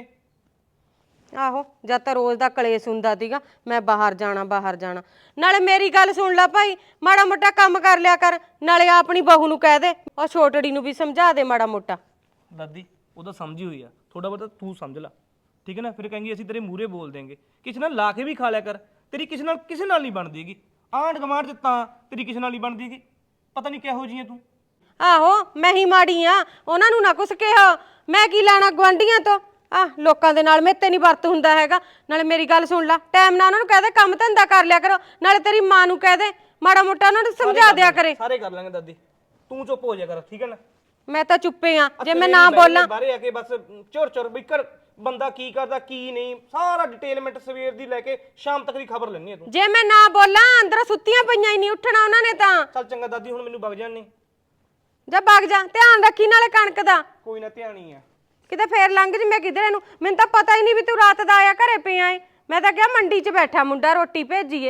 S2: ਆਹੋ, ਜਦ ਤਾਂ ਰੋਜ਼ ਦਾ ਕਲੇਸ਼ ਹੁੰਦਾ ਸੀਗਾ ਮੈਂ ਬਾਹਰ ਜਾਣਾ ਬਾਹਰ ਜਾਣਾ। ਨਾਲੇ ਮੇਰੀ ਗੱਲ ਸੁਣ ਲੈ ਭਾਈ, ਮਾੜਾ ਮੋਟਾ ਕੰਮ ਕਰ ਲਿਆ ਕਰ, ਨਾਲੇ ਆਪਣੀ ਬਹੂ ਨੂੰ ਕਹਿ ਦੇ, ਉਹ ਛੋਟੜੀ ਨੂੰ ਵੀ ਸਮਝਾ ਦੇ ਮਾੜਾ ਮੋਟਾ।
S4: ਦਾਦੀ ਉਹਦਾ ਸਮਝੀ ਹੋਈ ਆ, ਥੋੜਾ ਬਹੁਤਾ ਤੂੰ ਸਮਝ ਲੈ, ਠੀਕ ਹੈ ਨਾ। ਫਿਰ ਕहेंगे ਅਸੀਂ ਤੇਰੇ ਮੂਹਰੇ ਬੋਲ ਦੇਂਗੇ, ਕਿਸੇ ਨਾਲ ਲਾ ਕੇ ਵੀ ਖਾ ਲਿਆ ਕਰ, ਤੇਰੀ ਕਿਸੇ ਨਾਲ ਨਹੀਂ ਬਣਦੀ ਹੈਗੀ। ਆਂਢ ਗਵਾਂਢ 'ਚ ਤਾਂ ਤੇਰੀ ਕਿਸੇ ਨਾਲ ਨਹੀਂ ਬਣਦੀ ਹੈਗੀ, ਪਤਾ ਨਹੀਂ ਕਿਹੋ ਜਿਹੀ ਆ ਤੂੰ।
S2: ਆਹੋ, ਮੈਂ ਹੀ ਮਾੜੀ ਆ, ਉਹਨਾਂ ਨੂੰ ਨਾ ਕੁਛ ਕਿਹਾ, ਮੈਂ ਕੀ ਲੈਣਾ ਗੁਆਂਢੀਆਂ ਤੋਂ। ਲੋਕਾਂ ਦੇ ਨਾਲ ਮੇਤੇ ਨਹੀਂ ਵਰਤ ਹੁੰਦਾ ਹੈਗਾ। ਨਾਲੇ ਮੇਰੀ ਗੱਲ ਸੁਣ ਲੈ, ਟਾਈਮ ਨਾਲ ਉਹਨਾਂ ਨੂੰ ਕਹਿ ਦੇ ਕੰਮ ਧੰਦਾ ਕਰ ਲਿਆ ਕਰੋ, ਨਾਲੇ ਤੇਰੀ ਮਾਂ ਨੂੰ ਕਹਿ ਦੇ ਮਾੜਾ ਮੋਟਾ ਉਹਨਾਂ ਨੂੰ ਸਮਝਾ ਦਿਆ ਕਰੇ।
S4: ਸਾਰੇ ਕਰ ਲਾਂਗੇ ਦਾਦੀ, ਤੂੰ ਚੁੱਪ ਹੋ ਜਾ ਕਰ, ਠੀਕ ਹੈ ਨਾ।
S2: ਮੈਂ ਤਾਂ ਚੁੱਪੇ ਆ, ਜੇ ਮੈਂ ਨਾ ਬੋਲਾਂ।
S4: ਬਾਹਰੇ ਆ ਕੇ ਬਸ ਚੁਰ ਵੀ ਕਰ, ਬੰਦਾ ਕੀ ਕਰਦਾ ਕੀ ਨਹੀਂ, ਸਾਰਾ ਡਿਟੇਲਮੈਂਟ ਸਵੇਰ ਦੀ ਲੈ ਕੇ ਸ਼ਾਮ ਤੱਕ ਦੀ ਖਬਰ ਲੈਣੀ ਹੈ ਤੂੰ।
S2: ਜੇ ਮੈਂ ਨਾ ਬੋਲਾਂ, ਅੰਦਰੋਂ ਸੁੱਤੀਆਂ ਪਈਆਂ ਹੀ ਨਹੀਂ ਉੱਠਣਾ ਉਹਨਾਂ ਨੇ ਤਾਂ।
S4: ਚੱਲ ਚੰਗਾ ਦਾਦੀ, ਹੁਣ ਮੈਨੂੰ ਵਗ ਜਾਣ ਨਹੀਂ।
S2: ਜਾ ਵਗ ਜਾ, ਧਿਆਨ ਰੱਖੀ ਨਾਲੇ ਕਣਕ ਦਾ।
S4: ਕੋਈ ਨਾ, ਧਿਆਨ ਹੀ ਆ।
S2: ਕਿਤੇ ਫੇਰ ਲੰਘ ਜੀ ਮੈਂ ਕਿਧਰੇ ਨੂੰ, ਮੈਨੂੰ ਤਾਂ ਪਤਾ ਹੀ ਨਹੀਂ ਵੀ ਤੂੰ ਰਾਤ ਦਾ ਆਇਆ ਘਰੇ ਪਿਆ ਏ। ਮੈਂ ਤਾਂ ਕਿਹਾ ਮੰਡੀ 'ਚ ਬੈਠਾ ਮੁੰਡਾ, ਰੋਟੀ ਭੇਜੀਏ।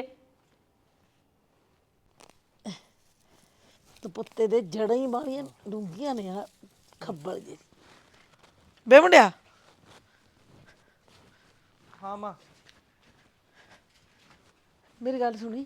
S5: ਤਪੁੱਤੇ ਦੇ ਜੜਾਂ ਹੀ ਬਾਲੀਆਂ ਡੂੰਘੀਆਂ ਨੇ ਆ, ਖੱਬਲ ਜੇ। ਬੇ ਮੁੰਡਿਆ,
S4: ਹਾਂ ਮਾਂ।
S5: ਮੇਰੀ ਗੱਲ ਸੁਣੀ।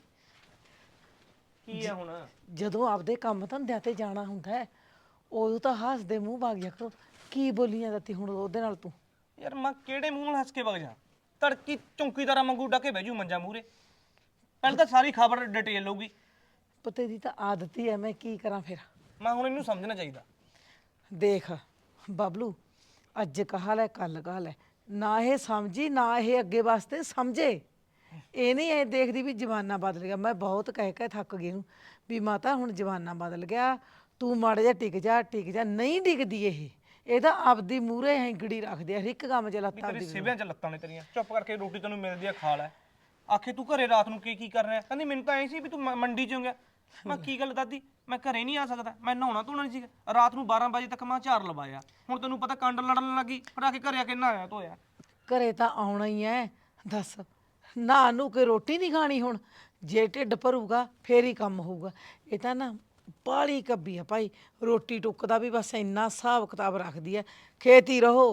S4: ਕੀ ਆ ਹੁਣ?
S5: ਜਦੋਂ ਆਪਦੇ ਕੰਮ ਧੰਦਿਆਂ ਤੇ ਜਾਣਾ ਹੁੰਦਾ ਹੈ, ਉਦੋਂ ਤਾਂ ਹੱਸਦੇ ਮੂੰਹ ਵਗ ਜਾ ਕਰੋ। ਕੀ ਬੋਲੀਆਂ ਦਿੱਤੀ ਹੁਣ ਉਹਦੇ ਨਾਲ ਤੂੰ?
S4: ਯਾਰ ਮਾਂ ਕਿਹੜੇ ਮੂੰਹ ਨਾਲ ਹੱਸ ਕੇ ਵਗ ਜਾ, ਤੜਕੀ ਚੌਂਕੀਦਾਰਾਂ ਵਾਂਗੂ ਡਾਕੇ ਬਹਿ ਜੂ ਮੰਜਾ ਮੂਰੇ। ਪਹਿਲਾਂ ਤਾਂ ਸਾਰੀ ਖਬਰ ਡਿਟੇਲ ਲਊਗੀ।
S5: ਪੁੱਤੇ ਦੀ ਤਾਂ ਆਦਤ ਹੀ ਐ, ਮੈਂ ਕੀ ਕਰਾਂ ਫਿਰ।
S4: ਮੈਂ ਹੁਣ ਇਹਨੂੰ ਸਮਝਣਾ ਚਾਹੀਦਾ।
S5: ਦੇਖ ਬਬਲੂ, ਅੱਜ ਕਹਾ ਲੈ ਕੱਲ ਕਹਾ ਲੈ, ਨਾ ਇਹ ਸਮਝੀ ਨਾ ਇਹ ਅੱਗੇ ਵਾਸਤੇ ਸਮਝੇ। ਇਹ ਨਹੀਂ ਇਹ ਦੇਖਦੀ ਵੀ ਜ਼ਮਾਨਾ ਬਦਲ ਗਿਆ। ਮੈਂ ਬਹੁਤ ਕਹਿ ਕੇ ਥੱਕ ਗਈ ਨੂੰ ਵੀ ਮਾਤਾ ਹੁਣ ਜ਼ਮਾਨਾ ਬਦਲ ਗਿਆ, ਤੂੰ ਮਾੜਾ ਜਿਹਾ ਟਿਕ ਜਾ। ਨਹੀਂ ਟਿਕਦੀ ਇਹ ਤਾਂ ਆਪਦੀ ਮੂਹਰੇ ਹੈਂਗੜੀ ਰੱਖਦੀ ਆ, ਹਰ ਇੱਕ ਕੰਮ 'ਚ ਲੱਤਾਂ
S4: ਤੇਰੀ ਸਿਵਿਆਂ 'ਚ ਲੱਤਾਂ ਨੇ ਤੇਰੀਆਂ। ਚੁੱਪ ਕਰਕੇ ਰੋਟੀ ਤੈਨੂੰ ਮਿਲਦੀ ਆ, ਖਾ ਲੈ। ਆਖੇ ਤੂੰ ਘਰੇ ਰਾਤ ਨੂੰ ਕੀ ਕਰ ਰਿਹਾ? ਕਹਿੰਦੀ ਮੈਨੂੰ ਤਾਂ ਐ ਸੀ ਵੀ ਤੂੰ ਮੰਡੀ 'ਚ ਹੋਗਾ। ਮੈਂ ਕੀ ਗੱਲ ਦਾਦੀ, ਮੈਂ ਘਰੇ ਨਹੀਂ ਆ ਸਕਦਾ, ਮੈਂ ਨਹਾਉਣਾ ਧੋਣਾ ਨਹੀਂ ਸੀਗਾ। ਰਾਤ ਨੂੰ 12 ਵਜੇ ਤੱਕ ਮੈਂ ਝਾੜ ਲਵਾਇਆ, ਹੁਣ ਤੈਨੂੰ ਪਤਾ ਕੰਡ ਲੜਨ ਲੱਗੀ, ਫਿਰ ਆ ਕੇ ਘਰੇ ਆ ਕੇ ਨਹਾਇਆ ਧੋਇਆ।
S5: ਘਰੇ ਤਾਂ ਆਉਣਾ ਹੀ ਐ, ਦੱਸ ਨਾ ਨੂੰ ਕੇ ਰੋਟੀ ਨਹੀਂ ਖਾਣੀ ਹੁਣ? ਜੇ ਢਿੱਡ ਭਰੂਗਾ ਫੇਰ ਹੀ ਕੰਮ ਹੋਊਗਾ। ਇਹ ਤਾਂ ਨਾ ਬਾਹਲੀ ਕੱਬੀ ਆ ਭਾਈ, ਰੋਟੀ ਟੁੱਕ ਦਾ ਵੀ ਬਸ ਇੰਨਾ ਹਿਸਾਬ ਕਿਤਾਬ ਰੱਖਦੀ ਐ। ਖੇਤੀ ਰਹੋ,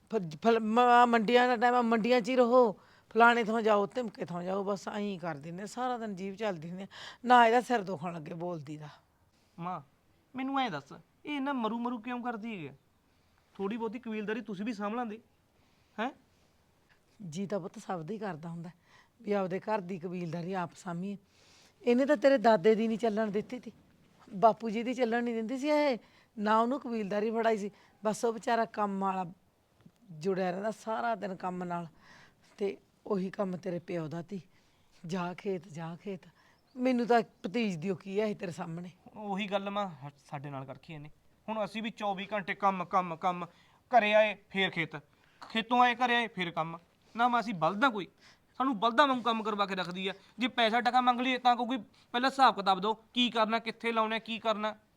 S5: ਮੰਡੀਆਂ ਦਾ ਟਾਈਮ ਮੰਡੀਆਂ 'ਚ ਹੀ ਰਹੋ, ਫਲਾਣੇ ਥਾਂ ਜਾਓ ਧਮਕੇ ਥਾਂ ਜਾਓ, ਬਸ ਐਂ ਕਰਦੀ ਨੇ ਸਾਰਾ ਦਿਨ, ਜੀਭ ਚੱਲਦੀ ਨੇ ਨਾ। ਇਹਦਾ ਸਿਰ ਦੁਖਣ ਲੱਗੇ ਬੋਲਦੀ ਦਾ।
S4: ਮਾਂ ਮੈਨੂੰ ਐਂ ਦੱਸ, ਇਹ ਨਾ ਮਰੂ ਕਿਉਂ ਕਰਦੀ ਹੈ? ਥੋੜੀ ਬਹੁਤੀ ਕਬੀਲਦਾਰੀ ਤੁਸੀਂ ਵੀ ਸਾਂਭ ਲਾਂਦੇ ਹੈ।
S5: ਜੀ ਤਾਂ ਪੁੱਤ ਸਭ ਦਾ ਹੀ ਕਰਦਾ ਹੁੰਦਾ ਵੀ ਆਪਦੇ ਘਰ ਦੀ ਕਬੀਲਦਾਰੀ ਆਪ ਸਾਂਭੀਏ। ਇਹਨੇ ਤਾਂ ਤੇਰੇ ਦਾਦੇ ਦੀ ਨਹੀਂ ਚੱਲਣ ਦਿੱਤੀ ਤੀ, ਬਾਪੂ ਜੀ ਦੀ ਚੱਲਣ ਨਹੀਂ ਦਿੰਦੀ ਸੀ ਇਹ, ਨਾ ਉਹਨੂੰ ਕਬੀਲਦਾਰੀ ਫੜਾਈ ਸੀ। ਬਸ ਉਹ ਵਿਚਾਰਾ ਕੰਮ ਵਾਲਾ ਜੁੜਿਆ ਰਹਿੰਦਾ ਸਾਰਾ ਦਿਨ ਕੰਮ ਨਾਲ, ਤੇ ਉਹੀ ਕੰਮ ਤੇਰੇ ਪਿਓ ਦਾ ਤੀ, ਜਾ ਖੇਤ। ਮੈਨੂੰ ਤਾਂ ਭਤੀਜ ਦਿਓ ਕੀ ਹੈ ਇਹ ਤੇਰੇ ਸਾਹਮਣੇ।
S4: ਉਹੀ ਗੱਲ ਮਾਂ ਸਾਡੇ ਨਾਲ ਕਰਖੀ ਇਹਨੇ। ਹੁਣ ਅਸੀਂ ਵੀ 24 ਘੰਟੇ ਕੰਮ, ਘਰੇ ਆਏ ਫੇਰ ਖੇਤੋਂ ਆਏ ਘਰੇ ਆਏ ਫੇਰ ਕੰਮ। ਨਾ ਮਾਂ ਅਸੀਂ ਬਲਦਾਂ, ਕੋਈ ਸਾਨੂੰ ਬਲਦਾਂ ਵਾਂਗੂ ਕੰਮ ਕਰਵਾ ਕੇ ਰੱਖਦੀ ਆ। ਜੇ ਪੈਸਾ ਟਕਾ ਮੰਗ ਲਈਏ ਤਾਂ ਕੋਈ ਪਹਿਲਾਂ ਹਿਸਾਬ ਕਿਤਾਬ ਦਿਓ, ਕੀ ਕਰਨਾ, ਕਿੱਥੇ ਲਾਉਣਾ, ਕੀ ਕਰਨਾ।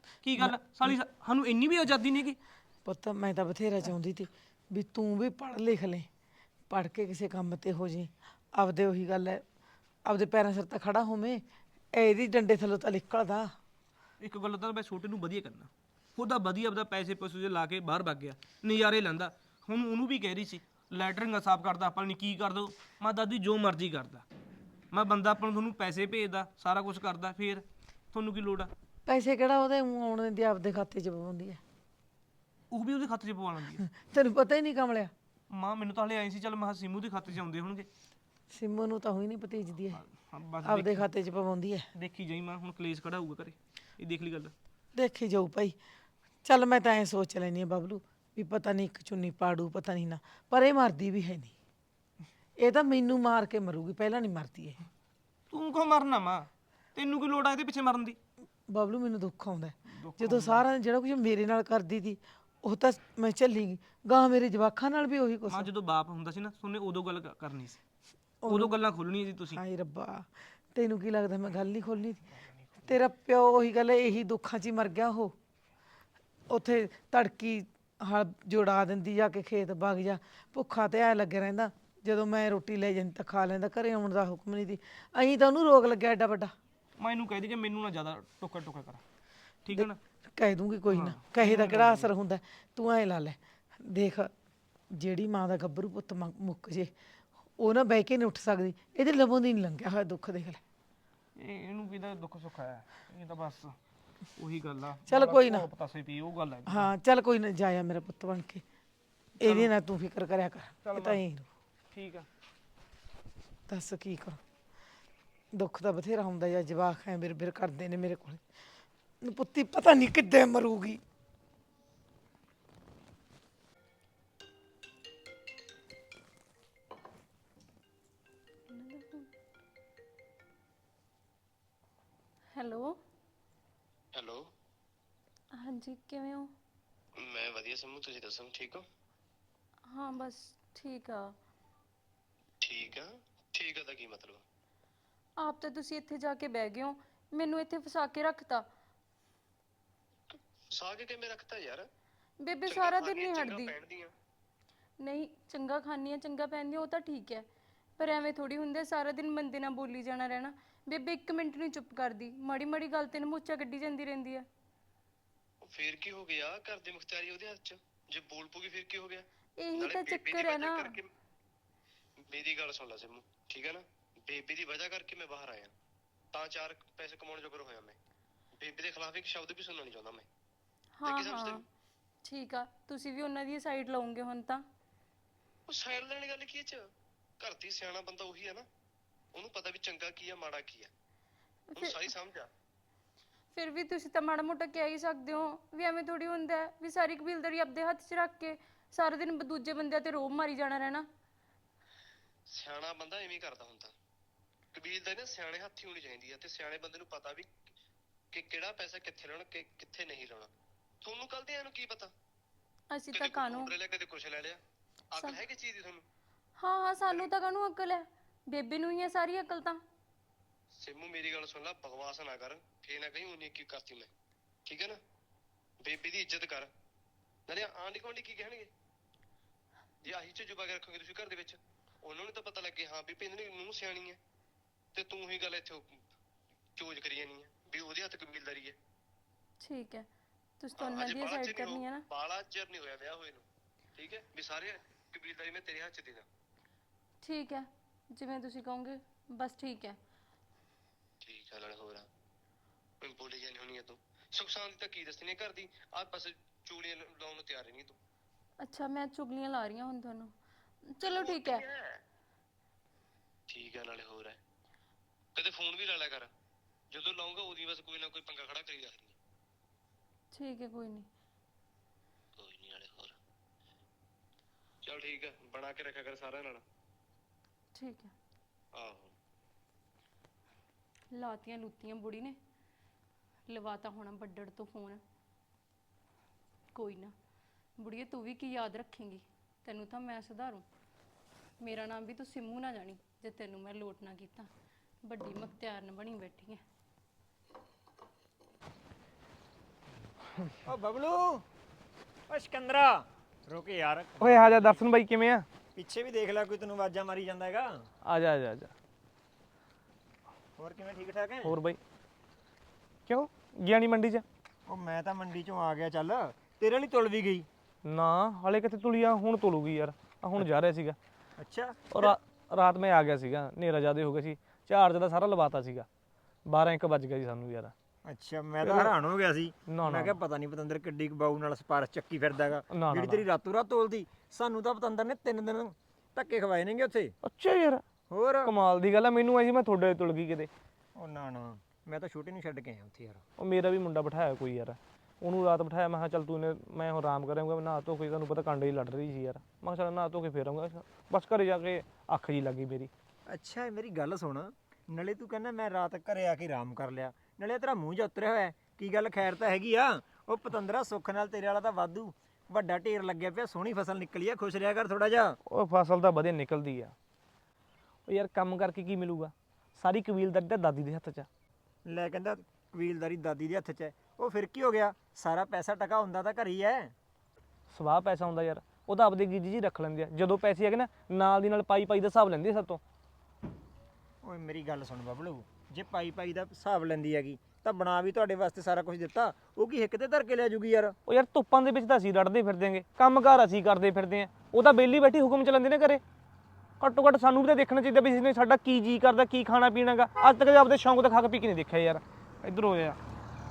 S4: ਕੀ ਗੱਲ ਸਾਲੀ ਸਾਨੂੰ ਇੰਨੀ ਵੀ ਆਜ਼ਾਦੀ ਨਹੀਂ ਗੀ।
S5: ਪੁੱਤ ਮੈਂ ਤਾਂ ਬਥੇਰਾ ਚਾਹੁੰਦੀ ਸੀ ਵੀ ਤੂੰ ਵੀ ਪੜ੍ਹ ਲਿਖ ਲੈ, ਪੜ੍ਹ ਕੇ ਕਿਸੇ ਕੰਮ ਤੇ ਹੋ ਜੀ, ਆਪਦੇ ਉਹੀ ਗੱਲ ਹੈ ਆਪਦੇ ਪੈਰਾਂ ਸਿਰ ਤਾਂ ਖੜਾ ਹੋਵੇਂ। ਇਹਦੀ ਡੰਡੇ ਥੱਲੋਂ ਤਾਂ ਨਿਕਲਦਾ।
S4: ਇੱਕ ਗੱਲ ਤਾਂ ਮੈਂ ਛੋਟੇ ਨੂੰ ਵਧੀਆ ਕਰਨਾ, ਉਹਦਾ ਵਧੀਆ ਆਪਦਾ ਪੈਸੇ ਪੂਸੇ ਜਿਹੇ ਲਾ ਕੇ ਬਾਹਰ ਵਗ ਗਿਆ, ਨਜ਼ਾਰੇ ਲੈਂਦਾ। ਹੁਣ ਉਹਨੂੰ ਵੀ ਕਹਿ ਰਹੀ ਸੀ ਲੈਟਰਿੰਗ ਸਾਫ਼ ਕਰਦਾ, ਆਪਾਂ ਨਹੀਂ ਕੀ ਕਰ ਦੋ। ਮੈਂ ਦਾਦੀ ਜੋ ਮਰਜ਼ੀ ਕਰਦਾ, ਮੈਂ ਬੰਦਾ ਆਪਾਂ ਨੂੰ ਤੁਹਾਨੂੰ ਪੈਸੇ ਭੇਜਦਾ, ਸਾਰਾ ਕੁਝ ਕਰਦਾ, ਫਿਰ ਤੁਹਾਨੂੰ ਕੀ ਲੋੜ ਆ।
S5: ਪੈਸੇ ਕਿਹੜਾ ਉਹਦੇ ਮੂੰਹ ਆਉਣ ਦਿੰਦੀ, ਆਪਦੇ ਖਾਤੇ 'ਚ ਪਵਾਉਂਦੀ ਹੈ।
S4: ਉਹ ਵੀ ਉਹਦੇ ਖਾਤੇ 'ਚ ਪਵਾ ਲੈਂਦੀ ਆ।
S5: ਤੈਨੂੰ ਪਤਾ ਹੀ ਨਹੀਂ ਕਮਲਿਆ।
S4: ਮਾਂ ਮੈਨੂੰ ਤਾਂ ਹਲੇ ਆਈ ਸੀ, ਚੱਲ ਮੈਂ ਕਿਹਾ ਸਿੰਮੂ ਦੇ ਖਾਤੇ 'ਚ ਆਉਂਦੇ ਹੋਣਗੇ।
S5: ਸਿੰਮੂ ਨੂੰ ਤਾਂ ਹੋਈ ਨਹੀਂ ਭਤੀਜਦੀ ਹੈ,
S4: ਹਾਂ ਬਸ
S5: ਆਪਦੇ ਖਾਤੇ 'ਚ ਪਵਾਉਂਦੀ ਹੈ।
S4: ਦੇਖੀ ਜਾਈ ਮਾਂ, ਹੁਣ ਕਲੇਸ਼ ਖੜਾ ਹੋਊਗਾ ਘਰੇ, ਇਹ ਦੇਖ ਲਈ ਗੱਲ।
S5: ਦੇਖੀ ਜਾਊ ਭਾਈ। ਚੱਲ ਮੈਂ ਤਾਂ ਐਂ ਸੋਚ ਲੈਣੀ ਆ ਬਬਲੂ ਵੀ ਪਤਾ ਨਹੀਂ ਇੱਕ ਚੁੰਨੀ ਪਾੜੂ, ਪਤਾ ਨਹੀਂ ਨਾ, ਪਰ ਇਹ ਮਰਦੀ ਵੀ ਹੈ ਨਹੀਂ। ਇਹ ਤਾਂ ਮੈਨੂੰ ਮਾਰ ਕੇ ਮਰੂਗੀ, ਪਹਿਲਾਂ ਨਹੀਂ ਮਰਦੀ ਇਹ।
S4: ਤੂੰ ਕਿਉਂ ਮਰਨਾ ਮਾਂ, ਤੈਨੂੰ ਕੀ ਲੋੜ ਆ ਇਹਦੇ ਪਿੱਛੇ ਮਰਨ ਦੀ।
S5: ਬਬਲੂ ਮੈਨੂੰ ਦੁੱਖ ਆਉਂਦਾ ਜਦੋਂ ਸਾਰਾ ਜਿਹੜਾ ਕੁਝ ਮੇਰੇ ਨਾਲ ਕਰਦੀ ਸੀ ਉਹ ਤਾਂ ਮੈਂ ਝੱਲੀ ਗਈ, ਗਾਂ ਮੇਰੇ ਜਵਾਕਾਂ ਨਾਲ ਵੀ ਉਹੀ ਕੁਛ।
S4: ਮਾਂ ਜਦੋਂ ਬਾਪ ਹੁੰਦਾ ਸੀ ਨਾ, ਤੁਹਾਨੂੰ ਉਦੋਂ ਗੱਲ ਕਰਨੀ ਸੀ, ਉਦੋਂ ਗੱਲਾਂ ਖੋਲਣੀਆਂ ਸੀ ਤੁਸੀਂ।
S5: ਹਾਏ ਰੱਬਾ, ਤੈਨੂੰ ਕੀ ਲੱਗਦਾ ਮੈਂ ਗੱਲ ਨਹੀਂ ਖੋਲਣੀ? ਤੇਰਾ ਪਿਓ ਉਹੀ ਗੱਲ ਇਹੀ ਦੁੱਖਾਂ 'ਚ ਹੀ ਮਰ ਗਿਆ। ਉਹ ਉੱਥੇ ਤੜਕੀ ਹਲ ਜੋੜਾ ਦਿੰਦੀ, ਜਾ ਕੇ ਖੇਤ ਵਗ ਜਾ, ਭੁੱਖਾ ਤੇ ਐ ਲੱਗਿਆ ਰਹਿੰਦਾ। ਜਦੋਂ ਮੈਂ ਰੋਟੀ ਲੈ ਜਾਂਦੀ ਤਾਂ ਖਾ ਲੈਂਦਾ, ਘਰੇ ਆਉਣ ਦਾ ਹੁਕਮ ਨਹੀਂ ਸੀ। ਅਹੀਂ ਤਾਂ ਉਹਨੂੰ ਰੋਗ ਲੱਗਿਆ ਐਡਾ ਵੱਡਾ।
S4: ਮੈਂ ਇਹਨੂੰ ਕਹਿ ਦੀ ਕਿ ਮੈਨੂੰ ਨਾ ਜ਼ਿਆਦਾ ਟੋਕਾ ਟੋਕਾ ਕਰ, ਠੀਕ ਹੈ ਨਾ।
S5: ਕਹਿ ਦੂੰਗੀ ਕੋਈ ਨਾ, ਕਹੇ ਦਾ ਕਿਹੜਾ ਅਸਰ ਹੁੰਦਾ। ਤੂੰ ਐ ਲਾ ਲੈ, ਦੇਖ ਜਿਹੜੀ ਮਾਂ ਦਾ ਗੱਭਰੂ ਪੁੱਤ ਮੁੱਕ ਜੇ, ਉਹ ਨਾ ਬਹਿ ਕੇ ਨਹੀਂ ਉੱਠ ਸਕਦੀ। ਇਹਦੇ ਲਵੋਂ ਦੀ ਨਹੀਂ ਲੰਘਿਆ ਹੋਇਆ ਦੁੱਖ, ਦੇਖ ਲੈ।
S4: ਇਹਨੂੰ ਕਿਹਦਾ ਦੁੱਖ ਸੁੱਖ ਆਇਆ, ਇਹ ਤਾਂ ਬਸ ਉਹੀ ਗੱਲ ਆ।
S5: ਚੱਲ ਕੋਈ ਨਾ,
S4: ਪਤਾਸੇ ਪੀ ਉਹ ਗੱਲ ਹੈ।
S5: ਹਾਂ ਚੱਲ ਕੋਈ ਨਾ, ਜਾਇਆ ਮੇਰਾ ਪੁੱਤ ਬਣ ਕੇ, ਇਹਦੀ ਨਾ ਤੂੰ ਫਿਕਰ ਕਰਿਆ ਕਰ। ਇਹ ਤਾਂ ਹੀ
S4: ਠੀਕ ਆ।
S5: ਦੱਸ ਕੀ ਕਰ, ਦੁੱਖ ਤਾਂ ਬਥੇਰਾ ਹੁੰਦਾ ਜਾਂ ਜਵਾਕ ਹੈ ਬਿਰ ਬਿਰ ਕਰਦੇ ਨੇ ਮੇਰੇ ਕੋਲ। ਪੁੱਤੀ ਪਤਾ ਨਹੀਂ ਕਿੱਦਾਂ ਮਰੂਗੀ।
S1: ਹੈਲੋ
S6: ਹੈਲੋ,
S1: ਹਾਂਜੀ, ਕਿਵੇਂ ਹੋ?
S6: ਮੈਂ ਵਧੀਆ ਸਿੰਮੂ, ਤੁਸੀਂ ਦੱਸੋ ਠੀਕ ਹੋ?
S1: ਹਾਂ ਬਸ ਠੀਕ ਆ।
S6: ਠੀਕ ਆ, ਠੀਕ ਆ ਦਾ ਕੀ ਮਤਲਬ?
S1: ਆਪ ਤਾਂ ਤੁਸੀਂ ਇੱਥੇ ਜਾ ਕੇ ਬਹਿ ਗਏ ਹੋ, ਮੈਨੂੰ ਇੱਥੇ ਫਸਾ ਕੇ ਰੱਖਤਾ।
S6: ਸਾਗ ਕਿਵੇਂ ਰੱਖਤਾ ਯਾਰ?
S1: ਬੇਬੇ
S6: ਚੰਗਾ
S1: ਸਾਰਾ
S6: ਖਾ
S1: ਦਿਨ
S6: ਕੇ
S1: ਨਹੀਂ
S6: ਚੰਗਾ
S1: ਹਟਦੀ।
S6: ਪਹਿਨਦੀ ਆ।
S1: ਨਹੀਂ, ਚੰਗਾ ਖਾਂਦੀ ਆ, ਚੰਗਾ ਪਹਿਨਦੀ ਆ, ਉਹ ਤਾਂ ਠੀਕ ਹੈ, ਪਰ ਐਵੇਂ ਥੋੜੀ ਹੁੰਦੇ ਸਾਰਾ ਦਿਨ ਬੰਦੇ ਨਾਲ ਬੋਲੀ ਜਾਣਾ ਰਹਿਣਾ। ਬੇਬੇ ਇੱਕ ਮਿੰਟ ਨਹੀਂ ਚੁੱਪ ਕਰਦੀ, ਮਾੜੀ ਮਾੜੀ ਗੱਲ ਤੇ ਨਮੂਚਾ ਕੱਢੀ ਜਾਂਦੀ ਰਹਿੰਦੀ ਆ।
S6: ਫੇਰ ਕੀ ਹੋ ਗਿਆ? ਘਰ ਦੀ ਮੁਖਤਿਆਰੀ ਉਹਦੇ ਹੱਥ 'ਚ, ਜੇ ਬੋਲ ਪੂਗੀ ਫਿਰ ਕੀ ਹੋ ਗਿਆ?
S1: ਇਹੀ
S6: ਨਾਲੇ
S1: ਤਾਂ
S6: ਬੇਬੇ ਦੀ
S1: ਚੱਕਰ ਹੈ
S6: ਵਜ੍ਹਾ
S1: ਨਾ।
S6: ਕਰਕੇ ਮੇਰੀ ਗੱਲ ਸੁਣ ਲੈ ਸਿੰਮੂ, ਠੀਕ ਹੈ ਨਾ। ਬੇਬੇ ਦੀ ਵਜ੍ਹਾ ਕਰਕੇ ਮੈਂ ਬਾਹਰ ਆਇਆ, ਤਾਂ ਚਾਰ ਪੈਸੇ ਕਮਾਉਣ ਜੋਗਰ ਹੋਇਆ ਮੈਂ। ਬੇਬੇ ਦੇ ਖਿਲਾਫ ਇੱਕ ਸ਼ਬਦ ਵੀ ਸੁਣਨਾ ਨਹੀਂ ਚਾਹੁੰਦਾ ਮੈਂ।
S1: ਹਾਂ
S6: ਕੀ ਸਮਝਦੇ
S1: ਹਾਂ
S6: ਹੋ?
S1: ਠੀਕ ਆ, ਤੁਸੀਂ ਵੀ ਉਹਨਾਂ ਦੀ ਸਾਈਡ ਲਾਉਂਗੇ ਹੁਣ ਤਾਂ।
S6: ਉਹ ਸਾਈਡ ਲੈਣ ਗੱਲ ਕੀ ਇਹ 'ਚ? ਘਰ ਦੀ ਸਿਆਣਾ ਬੰਦਾ ਉਹੀ ਹੈ ਨਾ, ਉਹਨੂੰ ਪਤਾ ਵੀ ਚੰਗਾ ਕੀ ਆ ਮਾੜਾ ਕੀ ਆ, ਉਹਨੂੰ ਸਾਰੀ ਸਮਝ ਆ।
S1: ਫਿਰ ਵੀ ਤੁਸੀਂ ਤਾਂ ਮਾੜਾ ਮੋਟਾ ਕਹਿ ਹੀ ਸਕਦੇ ਹੋ ਵੀ ਐਵੇਂ ਥੋੜੀ ਹੁੰਦਾ ਹੈ ਵੀ ਸਾਰੀ ਕਬੀਲਦਾਰੀ ਆਪਦੇ ਹੱਥ 'ਚ ਰੱਖ ਕੇ ਸਾਰਾ ਦਿਨ ਦੂਜੇ ਬੰਦਿਆਂ ਤੇ ਰੋਬ ਮਾਰੀ ਜਾਣਾ ਰਹਿਣਾ।
S6: ਸਿਆਣਾ ਬੰਦਾ ਐਵੇਂ ਹੀ ਕਰਦਾ ਹੁੰਦਾ। ਕਬੀਲਦਾਰੀ ਨਾ ਸਿਆਣੇ ਹੱਥ ਹੀ ਹੋਣੀ ਚਾਹੀਦੀ ਆ, ਤੇ ਸਿਆਣੇ ਬੰਦੇ ਨੂੰ ਪਤਾ ਵੀ ਕਿ ਕਿਹੜਾ ਪੈਸਾ ਕਿੱਥੇ ਲਾਉਣਾ, ਕਿੱਥੇ ਨਹੀਂ ਲਾਉਣਾ। ਤੁਹਾਨੂੰ ਕੱਲ ਦੇ ਇਹਨੂੰ ਕੀ ਪਤਾ?
S1: ਅਸੀਂ ਤਾਂ
S6: ਕਦੇ
S1: ਕਾਨੂੰ
S6: ਕੋਈ ਲੈ ਲਿਆ, ਕਦੇ ਕੁਛ ਲੈ ਲਿਆ। ਅਕਲ ਹੈ ਕਿ ਚੀਜ਼ ਦੀ ਤੁਹਾਨੂੰ?
S1: ਹਾਂ ਹਾਂ, ਸਾਨੂੰ ਤਾਂ ਕਾਨੂੰ ਅਕਲ ਹੈ, ਬੇਬੇ ਨੂੰ ਹੀ ਹੈ ਸਾਰੀ ਅਕਲ ਤਾਂ।
S6: ਸਿੰਮੂ ਮੇਰੀ ਗੱਲ ਸੁਣ ਲੈ, ਬਕਵਾਸ ਨਾ ਕਰ, ਫੇਰ ਨਾ ਕਹੀਂ ਉਹਨੇ ਕੀ ਕਰਤੀ ਮੈਂ, ਠੀਕ ਹੈ ਨਾ। ਬੇਬੇ ਦੀ ਇੱਜ਼ਤ ਕਰ, ਨਾਲੇ ਆਂਢ ਗੁਆਂਢੀ ਕੀ ਕਹਿਣਗੇ ਜੇ ਆਹੀ ਚ ਜੁਬਾ ਕੇ ਰੱਖੋਗੇ ਤੁਸੀਂ ਘਰ ਦੇ ਵਿੱਚ? ਉਹਨਾਂ ਨੂੰ ਤਾਂ ਪਤਾ ਲੱਗੇ ਹਾਂ ਵੀ ਪਿੰਡ ਨੂੰ ਨੂੰਹ ਸਿਆਣੀ ਹੈ, ਤੇ ਤੂੰ ਹੀ ਗੱਲ ਇੱਥੇ ਚੋਜ ਕਰੀ ਜਾਨੀ ਹੈ ਵੀ ਉਹਦੇ ਹੱਥ ਕਬੀਲਦਾਰੀ ਹੈ।
S1: ਠੀਕ ਹੈ, ਤੁਸੀਂ ਤਾਂ ਉਹਨਾਂ ਦੀ ਸਾਈਡ ਕਰਨੀ ਹੈ ਨਾ।
S6: ਬਾਲਾ ਚਿਰ ਨਹੀਂ ਹੋਇਆ ਵਿਆਹ ਹੋਏ ਨੂੰ, ਠੀਕ ਹੈ, ਵੀ ਸਾਰੇ ਕਬੀਲਦਾਰੀ ਮੈਂ ਤੇਰੇ ਹੱਥ ਚ ਦੇ ਦਾਂ।
S1: ਠੀਕ ਹੈ, ਜਿਵੇਂ ਤੁਸੀਂ ਕਹੋਗੇ, ਬਸ ਠੀਕ ਹੈ।
S6: ਠੀਕ ਆ, ਨਾਲੇ ਹੋਰ ਆ ਮੈਂ ਬੋਲੀ ਜਾਣੀ ਹੋਣੀ ਆ ਤੂੰ। ਸੁਖ ਸ਼ਾਂਤੀ ਤਾਂ ਕੀ ਦੱਸਣੀ ਘਰ ਦੀ, ਆਹ ਬਸ ਚੂੜੀਆਂ ਲਾਉਣ ਨੂੰ ਤਿਆਰ ਨਹੀਂ ਤੂੰ।
S1: ਅੱਛਾ, ਮੈਂ ਚੁਗਲੀਆਂ ਲਾ ਰਹੀ ਹਾਂ ਹੁਣ ਤੁਹਾਨੂੰ। ਚਲੋ ਠੀਕ ਹੈ।
S6: ਠੀਕ ਹੈ, ਨਾਲੇ ਹੋਰ ਹੈ, ਕਦੇ ਫੋਨ ਵੀ ਲਾ ਲਿਆ ਕਰ, ਜਦੋਂ ਲਾਉਂਗਾ ਉਹਦੀ ਬਸ ਕੋਈ ਨਾ ਕੋਈ ਪੰਗਾ ਖੜਾ ਕਰੀ ਰੱਖਦੀ।
S1: ਠੀਕ ਹੈ, ਕੋਈ ਨਹੀਂ।
S6: ਕੋਈ ਨਹੀਂ, ਨਾਲੇ ਹੋਰ ਚਲ ਠੀਕ ਹੈ, ਬਣਾ ਕੇ ਰੱਖਿਆ ਕਰ ਸਾਰਿਆਂ ਨਾਲ।
S1: ਠੀਕ ਹੈ।
S6: ਆਹੋ,
S1: ਲਾਤੀਆਂ ਲੁੱਤੀਆਂ ਬੁੜੀ ਨੇ, ਲਵਾਤਾ ਹੋਣਾ ਬੱਡੜ ਤੋਂ ਫੋਨ। ਕੋਈ ਨਾ ਬੁੜੀਏ, ਤੂੰ ਵੀ ਕੀ ਯਾਦ ਰੱਖੇਂਗੀ, ਤੈਨੂੰ ਤਾਂ ਮੈਂ ਸੁਧਾਰੂ। ਮੇਰਾ ਨਾਮ ਵੀ ਤੂੰ ਸਿੰਮੂ ਨਾ ਜਾਣੀ ਜੇ ਤੈਨੂੰ ਮੈਂ ਲੋਟ ਨਾ ਕੀਤਾ। ਵੱਡੀ ਮੁਖਤਿਆਰਨ ਬਣੀ ਬੈਠੀ ਐ।
S7: ਓ ਬਬਲੂ ਓ ਸਿਕੰਦਰਾ ਰੁਕ ਯਾਰ
S4: ਓਏ ਆ ਜਾ ਦਰਸ਼ਨ ਬਾਈ ਕਿਵੇਂ ਆ
S7: ਪਿੱਛੇ ਵੀ ਦੇਖ ਲੈ ਕੋਈ ਤੈਨੂੰ ਆਵਾਜ਼ਾਂ ਮਾਰੀ ਜਾਂਦਾ ਹੈਗਾ
S4: ਆ ਜਾ ਆ ਜਾ ਆ ਜਾ
S7: ਹੋਰ ਕਿਵੇਂ ਠੀਕ ਠਾਕ ਹੈ
S4: ਹੋਰ ਬਾਈ ਕਿਉਂ ਗਿਆ ਨੀ ਮੰਡੀ 'ਚ
S7: ਉਹ ਮੈਂ ਤਾਂ ਮੰਡੀ ਚੋਂ ਆ ਗਿਆ ਚੱਲ ਤੇਰੇ ਲਈ ਤੁਲ ਵੀ ਗਈ
S4: ਨਾ ਹਲੇ ਕਿੱਥੇ ਤੁਲੀ ਆ ਹੁਣ ਤੁਲੂਗੀ ਯਾਰ ਆ ਹੁਣ ਜਾ ਰਿਹਾ ਸੀਗਾ
S7: ਅੱਛਾ
S4: ਔਰ ਰਾਤ ਮੈਂ ਆ ਗਿਆ ਸੀਗਾ ਹਨੇਰਾ ਜ਼ਿਆਦੇ ਹੋ ਗਿਆ ਸੀ ਚਾਰਜ ਦਾ ਸਾਰਾ ਲਵਾਤਾ ਸੀਗਾ 12-1 ਵੱਜ ਗਿਆ ਜੀ ਸਾਨੂੰ ਯਾਰ
S7: ਅੱਛਾ ਮੈਂ ਤਾਂ ਹੈਰਾਨ ਹੋ ਗਿਆ ਸੀ
S4: ਨਾ,
S7: ਮੈਂ ਕਿਹਾ ਪਤਾ ਨਹੀਂ ਪਤੰਦਰ ਕਿੱਡੀ ਕੁ ਬਾਊ ਨਾਲ ਸਪਾਰਸ਼ ਚੱਕੀ ਫਿਰਦਾ ਹੈਗਾ
S4: ਨਾ,
S7: ਜਿਹੜੀ ਤੇਰੀ ਰਾਤੋਂ ਰਾਤ ਤੋਲਦੀ ਸਾਨੂੰ ਤਾਂ ਪਤੰਦਰ ਨੇ 3 ਦਿਨ ਧੱਕੇ ਖਵਾਏ ਨੇਗੇ ਉੱਥੇ
S4: ਅੱਛਾ ਯਾਰ
S7: ਹੋਰ
S4: ਕਮਾਲ ਦੀ ਗੱਲ ਆ ਮੈਨੂੰ ਐ ਜੀ ਮੈਂ ਤੁਹਾਡੇ ਤੁਲ ਗਈ ਕਿਤੇ
S7: ਉਹ ਨਾ ਨਾ ਮੈਂ ਤਾਂ ਛੋਟੇ ਨੂੰ ਛੱਡ ਕੇ ਆਇਆ ਉੱਥੇ ਯਾਰ
S4: ਉਹ ਮੇਰਾ ਵੀ ਮੁੰਡਾ ਬਿਠਾਇਆ ਕੋਈ ਯਾਰ ਉਹਨੂੰ ਰਾਤ ਬਿਠਾਇਆ ਮੈਂ ਕਿਹਾ ਚੱਲ ਤੂੰ ਮੈਂ ਹੁਣ ਆਰਾਮ ਕਰਾਂਗਾ ਨਹਾ ਧੋ ਕੇ ਤੁਹਾਨੂੰ ਪਤਾ ਕਾਂਡੇ ਹੀ ਲੜ ਰਹੀ ਸੀ ਯਾਰ ਮੈਂ ਕਿਹਾ ਚੱਲ ਨਹਾ ਧੋ ਕੇ ਫੇਰ ਆਊਂਗਾ ਬਸ ਘਰੇ ਜਾ ਕੇ ਅੱਖ ਜੀ ਲੱਗੀ ਮੇਰੀ
S7: ਅੱਛਾ ਮੇਰੀ ਗੱਲ ਸੁਣ ਨਾਲੇ ਤੂੰ ਕਹਿੰਦਾ ਮੈਂ ਰਾਤ ਘਰੇ ਆ ਕੇ ਆਰਾਮ ਕਰ ਲਿਆ ਨਾਲੇ ਤੇਰਾ ਮੂੰਹ ਜਿਹਾ ਉਤਰਿਆ ਹੋਇਆ ਕੀ ਗੱਲ ਖੈਰ ਤਾਂ ਹੈਗੀ ਆ ਉਹ ਪਤੰਦਰਾ ਸੁੱਖ ਨਾਲ ਤੇਰੇ ਵਾਲਾ ਤਾਂ ਵਾਧੂ ਵੱਡਾ ਢੇਰ ਲੱਗਿਆ ਪਿਆ ਸੋਹਣੀ ਫਸਲ ਨਿਕਲੀ ਆ ਖੁਸ਼ ਰਿਹਾ ਕਰ ਥੋੜਾ ਜਿਹਾ
S4: ਉਹ ਫਸਲ ਤਾਂ ਵਧੀਆ ਨਿਕਲਦੀ ਆ ਉਹ ਯਾਰ ਕੰਮ ਕਰਕੇ ਕੀ ਮਿਲੂਗਾ ਸਾਰੀ ਕਬੀਲਦਾਰੀ ਤਾਂ ਦਾਦੀ ਦੇ ਹੱਥ 'ਚ ਆ
S7: ਲੈ ਕਹਿੰਦਾ ਕਬੀਲਦਾਰੀ ਦਾਦੀ ਦੇ ਹੱਥ 'ਚ ਹੈ ਉਹ ਫਿਰ ਕੀ ਹੋ ਗਿਆ ਸਾਰਾ ਪੈਸਾ ਟਕਾ ਹੁੰਦਾ ਤਾਂ ਘਰ ਹੀ ਹੈ
S4: ਸਵਾਹ ਪੈਸਾ ਹੁੰਦਾ ਯਾਰ ਉਹ ਤਾਂ ਆਪਦੇ ਗੀਜੀ ਜੀ ਰੱਖ ਲੈਂਦੇ ਆ ਜਦੋਂ ਪੈਸੇ ਹੈਗੇ ਨਾ ਨਾਲ ਦੀ ਨਾਲ ਪਾਈ ਪਾਈ ਦਾ ਹਿਸਾਬ ਲੈਂਦੇ ਆ ਸਭ ਤੋਂ
S7: ਓਏ ਮੇਰੀ ਗੱਲ ਸੁਣ ਬਬਲੂ ਜੇ ਪਾਈ ਪਾਈ ਦਾ ਹਿਸਾਬ ਲੈਂਦੀ ਹੈਗੀ ਤਾਂ ਬਣਾ ਵੀ ਤੁਹਾਡੇ ਵਾਸਤੇ ਸਾਰਾ ਕੁਝ ਦਿੱਤਾ ਉਹ ਕੀ ਹਿੱਕ ਤੇ ਧਰ ਕੇ ਲੈ ਜੂਗੀ ਯਾਰ
S4: ਉਹ ਯਾਰ ਧੁੱਪਾਂ ਦੇ ਵਿੱਚ ਤਾਂ ਅਸੀਂ ਲੜਦੇ ਫਿਰਦੇ ਆਂਗੇ ਕੰਮਕਾਰ ਅਸੀਂ ਕਰਦੇ ਫਿਰਦੇ ਆਂ ਉਹ ਤਾਂ ਬੇਲੀ ਬੈਠੀ ਹੁਕਮ ਚਲਾਉਂਦੇ ਨੇ ਘਰੇ ਘੱਟੋ ਘੱਟ ਸਾਨੂੰ ਵੀ ਤਾਂ ਦੇਖਣਾ ਚਾਹੀਦਾ ਵੀ ਇਸਨੇ ਸਾਡਾ ਕੀ ਜੀ ਕਰਦਾ ਕੀ ਖਾਣਾ ਪੀਣਾਗਾ ਅੱਜ ਤੱਕ ਆਪਦੇ ਸ਼ੌਂਕ ਤੇ ਖਾ ਕੇ ਪੀ ਕੇ ਨਹੀਂ ਦੇਖਿਆ ਯਾਰ ਇੱਧਰ ਹੋ ਜਾ